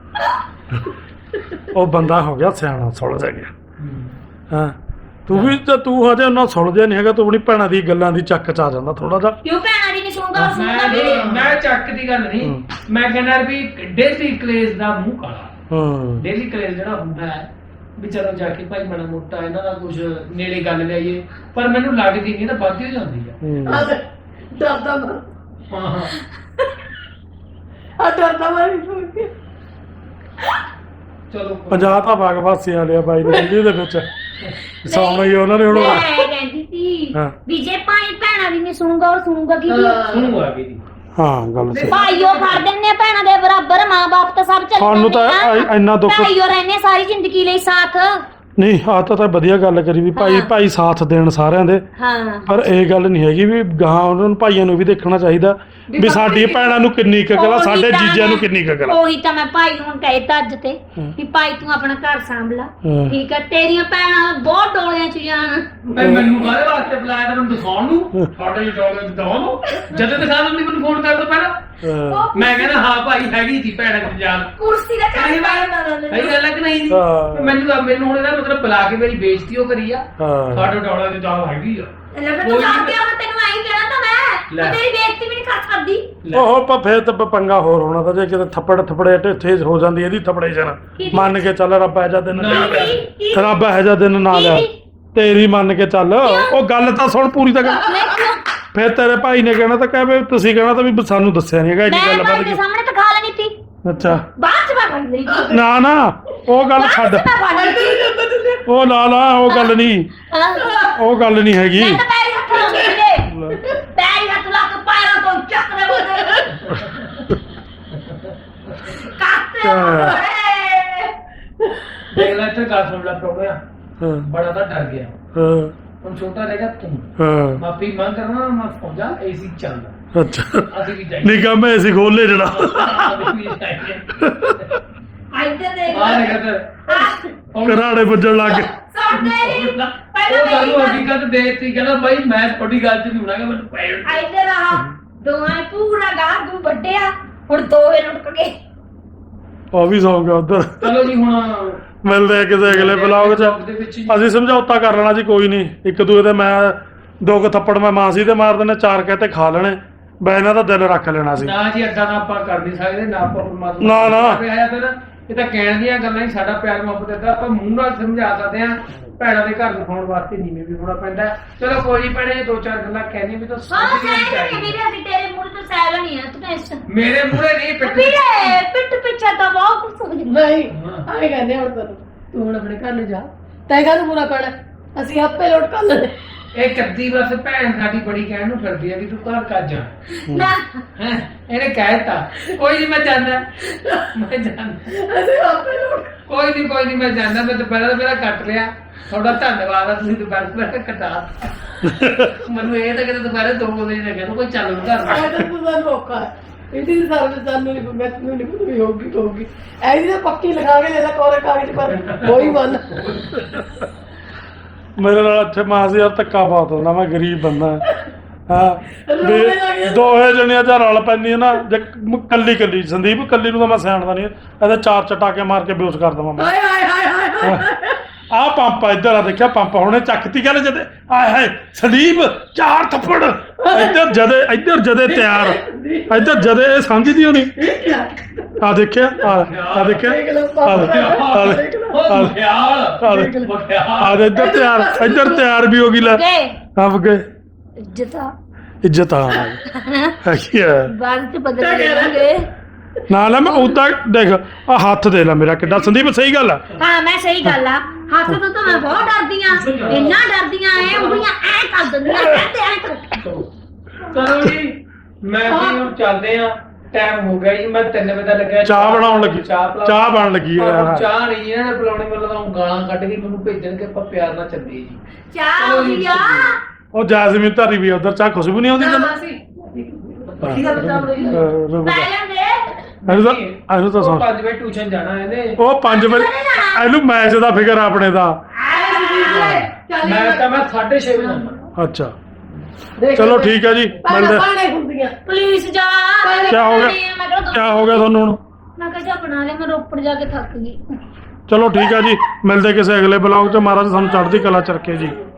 ਉਹ ਬੰਦਾ ਹੋ ਗਿਆ ਸਿਆਣਾ ਸੁਲਝ ਗਿਆ ਹਾਂ ਤੂੰ ਵੀ ਤਾਂ ਤੂੰ ਹਜੇ ਉਹਨਾਂ ਸੁਲਝਿਆ ਨਹੀਂ ਹੈਗਾ ਤੂੰ ਆਪਣੀ ਭੈਣਾਂ ਦੀ ਗੱਲਾਂ ਦੀ ਚੱਕ ਚ ਆ ਜਾਂਦਾ ਥੋੜਾ ਜਿਹਾ ਕਿਉਂ ਭੈਣਾਂ ਦੀ ਨਹੀਂ ਸੁਣਦਾ ਉਹ ਸੁਣਦਾ ਵੀ ਮੈਂ ਚੱਕ ਦੀ ਗੱਲ ਨਹੀਂ ਮੈਂ ਕਹਿੰਦਾ ਵੀ ਡੇਲੀ ਕਲੇਸ਼ ਦਾ ਮੂੰਹ ਕਾਲਾ ਹਾਂ ਡੇਲੀ ਕਲੇਸ਼ ਜਿਹੜਾ ਹੁੰਦਾ ਹੈ ਵੀ ਚਲੋ ਜਾ ਕੇ ਭਾਈ ਮਾੜਾ ਮੋਟਾ ਇਹਨਾਂ ਦਾ ਕੁਝ ਨੇੜੇ ਗੱਲ ਲਿਆਈਏ ਪਰ ਮੈਨੂੰ ਲੱਗਦੀ ਨਹੀਂ ਤਾਂ ਵੱਧ ਹੋ ਜਾਂਦੀ ਆ ਆ ਡਰਦਾ ਮਾਰ ਹਾਂ ਹਾਂ ਆ ਡਰਦਾ ਮਾਰ ਸੁਣ ਕੇ ਚਲੋ ਪੰਜਾਬ ਤਾਂ ਬਾਗ ਵਾਸੀ ਵਾਲਿਆ ਬਾਈ ਦੇ ਦੇ ਵਿੱਚ ਸੌਣਾ ਹੀ ਉਹਨਾਂ ਨੇ ਹੁਣ ਮੈਂ ਕਹਿੰਦੀ ਸੀ ਹਾਂ। ਵੀ ਜੇ ਭਾਈ ਭੈਣਾਂ ਦੀ ਨਹੀਂ ਸੁਣੂਗਾ ਉਹ ਸੁਣੂਗਾ ਕੀ ਸੁਣੂ ਆ ਗਈ ਜੀ ਹਾਂ ਗੱਲ ਸਹੀ ਭਾਈਓ ਫੜ ਦਿੰਨੇ ਆ ਭੈਣਾਂ ਦੇ ਬਰਾਬਰ ਮਾਂ-ਬਾਪ ਤਾਂ ਸਭ ਚੱਲ ਸਾਨੂੰ ਤਾਂ ਇੰਨਾ ਦੁੱਖ ਭਾਈਓ ਰਹਿੰਦੇ ਸਾਰੀ ਜ਼ਿੰਦਗੀ ਲਈ ਸਾਥ ਨਹੀਂ ਆ ਤਾਂ ਵਧੀਆ ਗੱਲ ਕਰੀ ਵੀ ਭਾਈ ਹਾਂ। ਭਾਈ ਸਾਥ ਦੇਣ ਸਾਰਿਆਂ ਦੇ ਹਾਂ ਪਰ ਇਹ ਗੱਲ ਨਹੀਂ ਹੈਗੀ ਵੀ ਗਾਂ ਉਹਨਾਂ ਨੂੰ ਭਾਈਆਂ ਨੂੰ ਵੀ ਦੇਖਣਾ ਚਾਹੀਦਾ ਵੀ ਸਾਡੀ ਭੈਣਾਂ ਨੂੰ ਕਿੰਨੀ ਕੁ ਅਕਲ ਆ ਸਾਡੇ ਜੀਜਿਆਂ ਨੂੰ ਕਿੰਨੀ ਕੁ ਅਕਲ ਆ ਉਹੀ ਤਾਂ ਮੈਂ ਭਾਈ ਨੂੰ ਕਹਿਤਾ ਅੱਜ ਤੇ ਵੀ ਭਾਈ ਤੂੰ ਆਪਣਾ ਘਰ ਸੰਭਲਾ ਹਾਂ। ਠੀਕ ਹੈ ਤੇਰੀਆਂ ਭੈਣਾਂ ਬਹੁਤ ਡੋਲਿਆਂ ਚ ਜਾਣ ਭਾਈ ਮੈਨੂੰ ਕਾਹਦੇ ਵਾਸਤੇ ਬੁਲਾਇਆ ਤੈਨੂੰ ਦਿਖਾਉਣ ਨੂੰ ਸਾਡੇ ਡੋਲੇ ਦਿਖਾਉਣ ਨੂੰ ਜਦੋਂ ਦਿਖਾ ਦਿੰਦੀ ਮੈਨੂੰ ਫੋਨ ਕਰ ਦੋ ਪਹਿਲਾਂ ਹਾਂ। ਮੈਂ ਕਹਿੰਦਾ ਹਾਂ ਭਾਈ ਹੈਗੀ ਸੀ ਭੈਣਾਂ ਦੀ ਜਾਨ ਕੁਰਸੀ ਦਾ ਨਹੀਂ ਚੱਲ ਸਹੀ ਗੱਲ ਹੈ ਕਿ ਨਹੀਂ ਜੀ ਹਾਂ। ਮੈਨੂੰ ਹੁਣ ਇਹਦਾ ਮਤਲਬ ਬੁਲਾ ਕੇ ਮੇਰੀ ਬੇਇੱਜ਼ਤੀ ਉਹ ਕਰੀ ਆ ਹਾਂ ਸਾਡੇ ਡੋਲਾ ਦੀ ਜਾਨ ਹੈਗੀ ਆ ਲੱਗਾ ਤੂੰ ਲਾ ਕੇ ਆਵਾਂ ਤੈਨੂੰ ਆਈ ਕਹਿਣਾ ਤਾਂ ਮੈਂ ਲੈ। ਤੂੰ ਤੇਰੀ ਬੇਇੱਜ਼ਤੀ ਵੀ ਨਹੀਂ ਕਰ ਸਕਦੀ ਲੈ। ਉਹ ਫੇਰ ਤਾਂ ਪੰਗਾ ਹੋਰ ਹੋਣਾ ਤਾਂ ਜੇ ਕਿਤੇ ਥੱਪੜੇ ਇੱਥੇ ਹੋ ਜਾਂਦੀ ਇਹਦੀ ਥੱਪੜੇ ਜਨ ਮੰਨ ਕੇ ਚੱਲ ਰੱਬ ਇਹ ਜਾ ਦਿਨ ਨਾ, ਲਿਆ ਕੀ- ਕੀ- ਰੱਬ ਇਹ ਜਾ ਦਿਨ ਨਾ ਲਿਆ ਤੇਰੀ ਮੰਨ ਕੇ ਚੱਲ ਉਹ ਗੱਲ ਤਾਂ ਸੁਣ ਪੂਰੀ ਤਾਂ ਗੱਲ ਮੈਂ ਕਿਉਂ ਫਿਰ ਤੇਰੇ ਭਾਈ ਨੇ ਕਹਿਣਾ ਤਾਂ ਕਹਿ ਵੀ ਤੁਸੀਂ ਕਹਿਣਾ ਤਾਂ ਵੀ ਸਾਨੂੰ ਦੱਸਿਆ ਨਹੀਂ ਹੈਗਾ ਇੰਨੀ ਮੈਂ ਗੱਲ ਭਾਈ ਵੱਧ ਦੇ ਗਈ ਸਾਹਮਣੇ ਤਾਂ ਖਾ ਲੈਣੀ ਸੀ ਅੱਛਾ ਬਾਅਦ ਚ ਮੈਂ ਬਣ ਗਈ ਨਾ ਨਾ ਉਹ ਗੱਲ ਛੱਡ ਮੈਂ ਬਣ ਗਈ ਉਹ ਲਾ ਉਹ ਗੱਲ ਨਹੀਂ ਹਾਂ। ਉਹ ਗੱਲ ਨਹੀਂ ਹੈਗੀ ਮੈਂ ਤਾਂ ਪੈਰੀ ਹੱਥ ਲਾਉਂਦੀ ਸੀਗੇ ਪੈਰੀ ਹੱਥ ਲਾ ਕੇ ਪੈਰਾਂ ਤੋਂ ਚੱਕ ਦੇ ਬੋਦੇ ਕਾਤੇ ਦੇਖ ਲੈ ਇੱਥੇ ਗੱਲ ਸੁਣ ਲੈ ਪ੍ਰੋਗਰਾਮ ਹਾਂ ਬੜਾ ਤਾਂ ਡਰ ਗਿਆ ਹਾਂ ਹੁਣ ਛੋਟਾ ਰਹਿ ਗਿਆ ਤੂੰ ਹਾਂ ਮਾਫੀ ਮੰਗ ਕਰਨਾ ਮੈਂ ਪਹੁੰਚਾ ਏਸੀ ਚੱਲਦਾ ਅੱਛਾ ਅਸੀਂ ਵੀ ਜਾਈਏ ਨਿਕਾ ਮੈਂ ਅਸੀਂ ਖੋਲੇ ਜਿਹੜਾ ਅਸੀਂ ਵੀ ਜਾਈਏ ਆਈਤੇ ਦੇ ਆ ਰਿਹਾ ਘਰਾੜੇ ਵੱਜਣ ਲੱਗ ਗਏ ਸੌਂਦੇ ਨਹੀਂ ਉਹ ਸਾਨੂੰ ਹਕੀਕਤ ਦੇਤੀ ਕਹਿੰਦਾ ਬਾਈ ਮੈਂ ਤੁਹਾਡੀ ਗੱਲ ਚ ਨਹੀਂ ਹੋਣਾਗਾ ਮੈਨੂੰ ਪੈਣ ਆਈਤੇ ਰਹਾ ਦੋਹਾਂ ਪੂਰਾ ਗਾਹ ਦੂ ਵੱਡਿਆ ਹੁਣ ਦੋਵੇਂ ਲੁੱਟ ਗਏ ਉਹ ਵੀ ਸੌਂ ਗਿਆ ਉਧਰ ਚਲੋ ਜੀ ਹੁਣ ਮਿਲਦੇ ਆ ਕਿਸੇ ਅਗਲੇ ਬਲੌਗ 'ਚ ਦੇ ਵਿੱਚ ਹੀ ਅਸੀਂ ਸਮਝੌਤਾ ਕਰ ਲੈਣਾ ਜੀ ਕੋਈ ਨਹੀਂ ਇੱਕ ਦੂਏ ਦੇ ਮੈਂ 2 ਥੱਪੜ ਮੈਂ ਮਾਸੀ ਤੇ ਮਾਰ ਦੇਣੇ 4 ਕਹਤੇ ਖਾ ਲੈਣੇ ਬੈ ਇਹਨਾਂ ਦਾ ਦਿਲ ਰੱਖ ਲੈਣਾ ਸੀ ਨਾ ਜੀ ਅੱਡਾ ਨਾ ਆਪਾਂ ਕਰ ਨਹੀਂ ਸਕਦੇ ਨਾ ਆਪਾਂ ਪਰਮਾਤਮਾ ਨਾ, ਨਾ। ਆਇਆ ਤਾਂ ਇਹ ਤਾਂ ਕਹਿਣ ਦੀਆਂ ਗੱਲਾਂ ਹੀ ਸਾਡਾ ਪਿਆਰ ਮੁਹੱਬਤ ਦਾ ਆਪਾਂ ਮੂੰਹ ਨਾਲ ਸਮਝਾ ਸਕਦੇ ਆ ਭੈਣਾਂ ਦੇ ਘਰ ਦਿਖਾਉਣ ਵਾਸਤੇ ਨੀਵੇਂ ਵੀ ਹੋਣਾ ਪੈਂਦਾ ਹੈ। ਚਲੋ ਕੋਈ ਨਹੀਂ ਭੈਣੇ 2-4 ਗੱਲਾਂ ਕਹਿਣੀ ਵੀ ਤਾਂ ਹਾਂ ਸਮਝਣੀਆਂ ਸਹਿ ਚਾਹੀਦੀਆਂ। ਨਹੀਂ ਵੀਰੇ ਅਸੀਂ ਤੇਰੇ ਮੂੰਹ ਤੋਂ ਸਹਿ ਨਹੀਂ ਆ ਤੂੰ ਟੈਨਸ਼ਨ ਮੇਰੇ ਮੂਹਰੇ ਨਹੀਂ ਪਿੱਠ ਵੀਰੇ ਪਿੱਠ ਪਿੱਛੇ ਤਾਂ ਬਹੁਤ ਕੁਝ ਹੋ ਜਾਂਦਾ ਨਹੀਂ ਹਾਂ। ਆਏ ਕਹਿੰਦੇ ਹੁਣ ਤੂੰ ਹੁਣ ਆਪਣੇ ਘਰ ਨੂੰ ਜਾ ਤੈਂ ਕਾਹਨੂੰ ਪੂਰਾ ਪੈਣਾ ਅਸੀਂ ਆਪੇ ਲੋਟ ਕਰ ਲੈਂਦੇ ਇਹ ਕੱਦੀ ਬਸ ਭੈਣ ਸਾਡੀ ਬੜੀ ਕਹਿਣ ਨੂੰ ਫਿਰਦੀ ਆ ਵੀ ਤੂੰ ਘਰ ਕਰ ਜਾ ਨਾ ਹੈਂ ਇਹਨੇ ਕਹਿਤਾ ਕੋਈ ਨਹੀਂ ਮੈਂ ਜਾਂਦਾ ਅਸੀਂ ਆਪੇ ਲੋਟ ਕੋਈ ਨਹੀਂ ਮੈਂ ਜਾਂਦਾ ਮੈਂ ਦੁਪਹਿਰ ਮੇਰਾ ਕੱਟ ਲਿਆ ਤੁਹਾਡਾ ਧੰਨਵਾਦ ਆ ਤੁਸੀਂ ਦੁਪਹਿਰ ਮੇਰਾ ਕਟਾ ਮੈਨੂੰ ਇਹ ਤਾਂ ਕਿਤੇ ਦੁਪਹਿਰੇ 2 ਵਜੇ ਲੱਗਿਆ ਕੋਈ ਚੱਲ ਨੂੰ ਘਰ ਆਇਆ ਤਾਂ ਪੂਰਾ ਮੌਕਾ ਹੈ ਇਹਦੀ ਸਰਵਿਸ ਸਾਨੂੰ ਨਹੀਂ ਮੈਂ ਤੈਨੂੰ ਨਹੀਂ ਪਤਾ ਵੀ ਹੋਊਗੀ ਐਸੀ ਤਾਂ ਪੱਕੀ ਲਗਾ ਕੇ ਲੈਦਾ ਕੋਰੇ ਕਾਗਜ਼ ਪਰ ਕੋਈ ਮਨ ਮੇਰੇ ਨਾਲ ਇੱਥੇ ਮਾਸੀ ਯਾਰ ਧੱਕਾ ਬਹੁਤ ਹੁੰਦਾ ਮੈਂ ਗਰੀਬ ਬੰਦਾ ਹਾਂ ਰੋਣੇ ਲੱਗ ਗਿਆ। ਦੋਹੇ ਜਣੀਆਂ ਜਾਂ ਰਲ ਪੈਂਦੀਆਂ ਨਾ ਜੇ ਕੱਲੀ ਸੰਦੀਪ ਕੱਲੀ ਨੂੰ ਤਾਂ ਮੈਂ ਸਿਆਣਦਾ ਨਹੀਂ ਇਹਦੇ 4 ਚਟਾਕੇ ਮਾਰ ਕੇ ਬੇਹੋਸ਼ ਕਰ ਦਵਾਂ ਮੈਂ ਹਾਏ ਹਾਏ ਹਾਏ ਹਾਏ ਆਹ ਪੰਪ ਇੱਧਰ ਆ ਦੇਖਿਆ ਪੰਪ ਹੁਣੇ ਚੱਕਤੀ ਗੱਲ ਜਦੇ ਆਏ ਹਾਏ ਸੰਦੀਪ 4 ਥੱਪੜ ਇੱਧਰ ਜਦੇ ਤਿਆਰ ਇੱਧਰ ਜਦੇ ਇਹ ਸਮਝਦੀ ਹੋਣੀ ਆ ਦੇਖਿਆ ਆ ਦੇਖਿਆ ਆ ਇੱਧਰ ਤਿਆਰ ਵੀ ਹੋ ਗਈ ਲੈ ਗਏ ਆਪ ਗਏ ਇੱਜ਼ਤ ਆ ਕੀ ਹੈ ਬਾਅਦ ਚ ਬਦਲ ਜਾਣਗੇ ਨਾ ਲੈ ਮੈਂ ਉਦਾਂ ਦੇਖ ਆ ਹੱਥ ਦੇ ਲੈ ਮੇਰਾ ਕਿੱਡਾ ਸੰਦੀਪ ਸਹੀ ਗੱਲ ਆ ਹਾਂ ਮੈਂ ਸਹੀ ਗੱਲ ਆ ਹੱਥ ਤੋਂ ਤਾਂ ਮੈਂ ਬਹੁਤ ਡਰਦੀ ਆ ਇੰਨਾ ਡਰਦੀਆਂ ਐ ਉਂਗਲੀਆਂ ਐ ਕਰ ਦਿੰਦੀਆਂ ਕਹਿੰਦੇ ਐ ਕਰ ਚਲੋ ਜੀ ਮੈਂ ਵੀ ਹੁਣ ਚੱਲਦੇ ਆ ਟਾਈਮ ਹੋ ਗਿਆ ਜੀ ਮੈਂ 3 ਵਜੇ ਦਾ ਲੱਗਿਆ ਚਾਹ ਬਣਾਉਣ ਲੱਗੀ ਚਾਹ ਚਾਹ ਬਣ ਲੱਗੀ ਪਰ ਚਾਹ ਨਹੀਂ ਹੈ ਬੁਲਾਉਣੇ ਮਤਲਬ ਤਾਂ ਗਾਲਾਂ ਕੱਢ ਕੇ ਮੈਨੂੰ ਭੇਜਣ ਕਿ ਆਪਾਂ ਪਿਆਰ ਨਾਲ ਚੱਲੀਏ ਜੀ ਚਾਹ ਆਉਂਦੀ ਆ ਉਹ ਜੈਸਮੀਨ ਧਾਰੀ ਵੀ ਉਧਰ ਚਾਹ ਖੁਸ਼ਬੂ ਨਹੀਂ ਆਉਂਦੀ ਤੈਨੂੰ ਕੀ ਗੱਲ ਚਾਹ ਬਣਾਈ ਆ? ਲੈ ਲੈਂਦੇ ਇਹਨੂੰ ਤਾਂ ਸੁਣ 5 ਵਜੇ ਟਿਊਸ਼ਨ ਜਾਣਾ ਇਹਨੇ ਉਹ 5 ਵਜੇ ਇਹਨੂੰ ਮੈਚ ਦਾ ਫਿਕਰ ਆ ਆਪਣੇ ਦਾ ਮੈਂ ਤਾਂ ਮੈਂ 6:30 ਵਜੇ ਜਾਣਾ ਅੱਛਾ ਚਲੋ ਠੀਕ ਹੈ ਜੀ ਮਿਲਦੇ ਪਾਣੇ ਹੁੰਦੀਆਂ ਪੁਲਿਸ ਜਾ ਕਿਆ ਹੋ ਗਿਆ? ਮੈਂ ਕਿਹਾ ਕੀ ਹੋ ਗਿਆ ਤੁਹਾਨੂੰ ਹੁਣ ਮੈਂ ਕਿਹਾ ਜਾ ਬਣਾ ਲੈ ਮੈਂ ਰੋਪੜ ਜਾ ਕੇ ਥੱਕ ਗਈ ਚਲੋ ਠੀਕ ਹੈ ਜੀ ਮਿਲਦੇ ਕਿਸੇ ਅਗਲੇ ਬਲੌਗ 'ਚ ਮਹਾਰਾਜ ਸਾਨੂੰ ਚੜ੍ਹਦੀ ਕਲਾ ਚ ਰੱਖੇ ਜੀ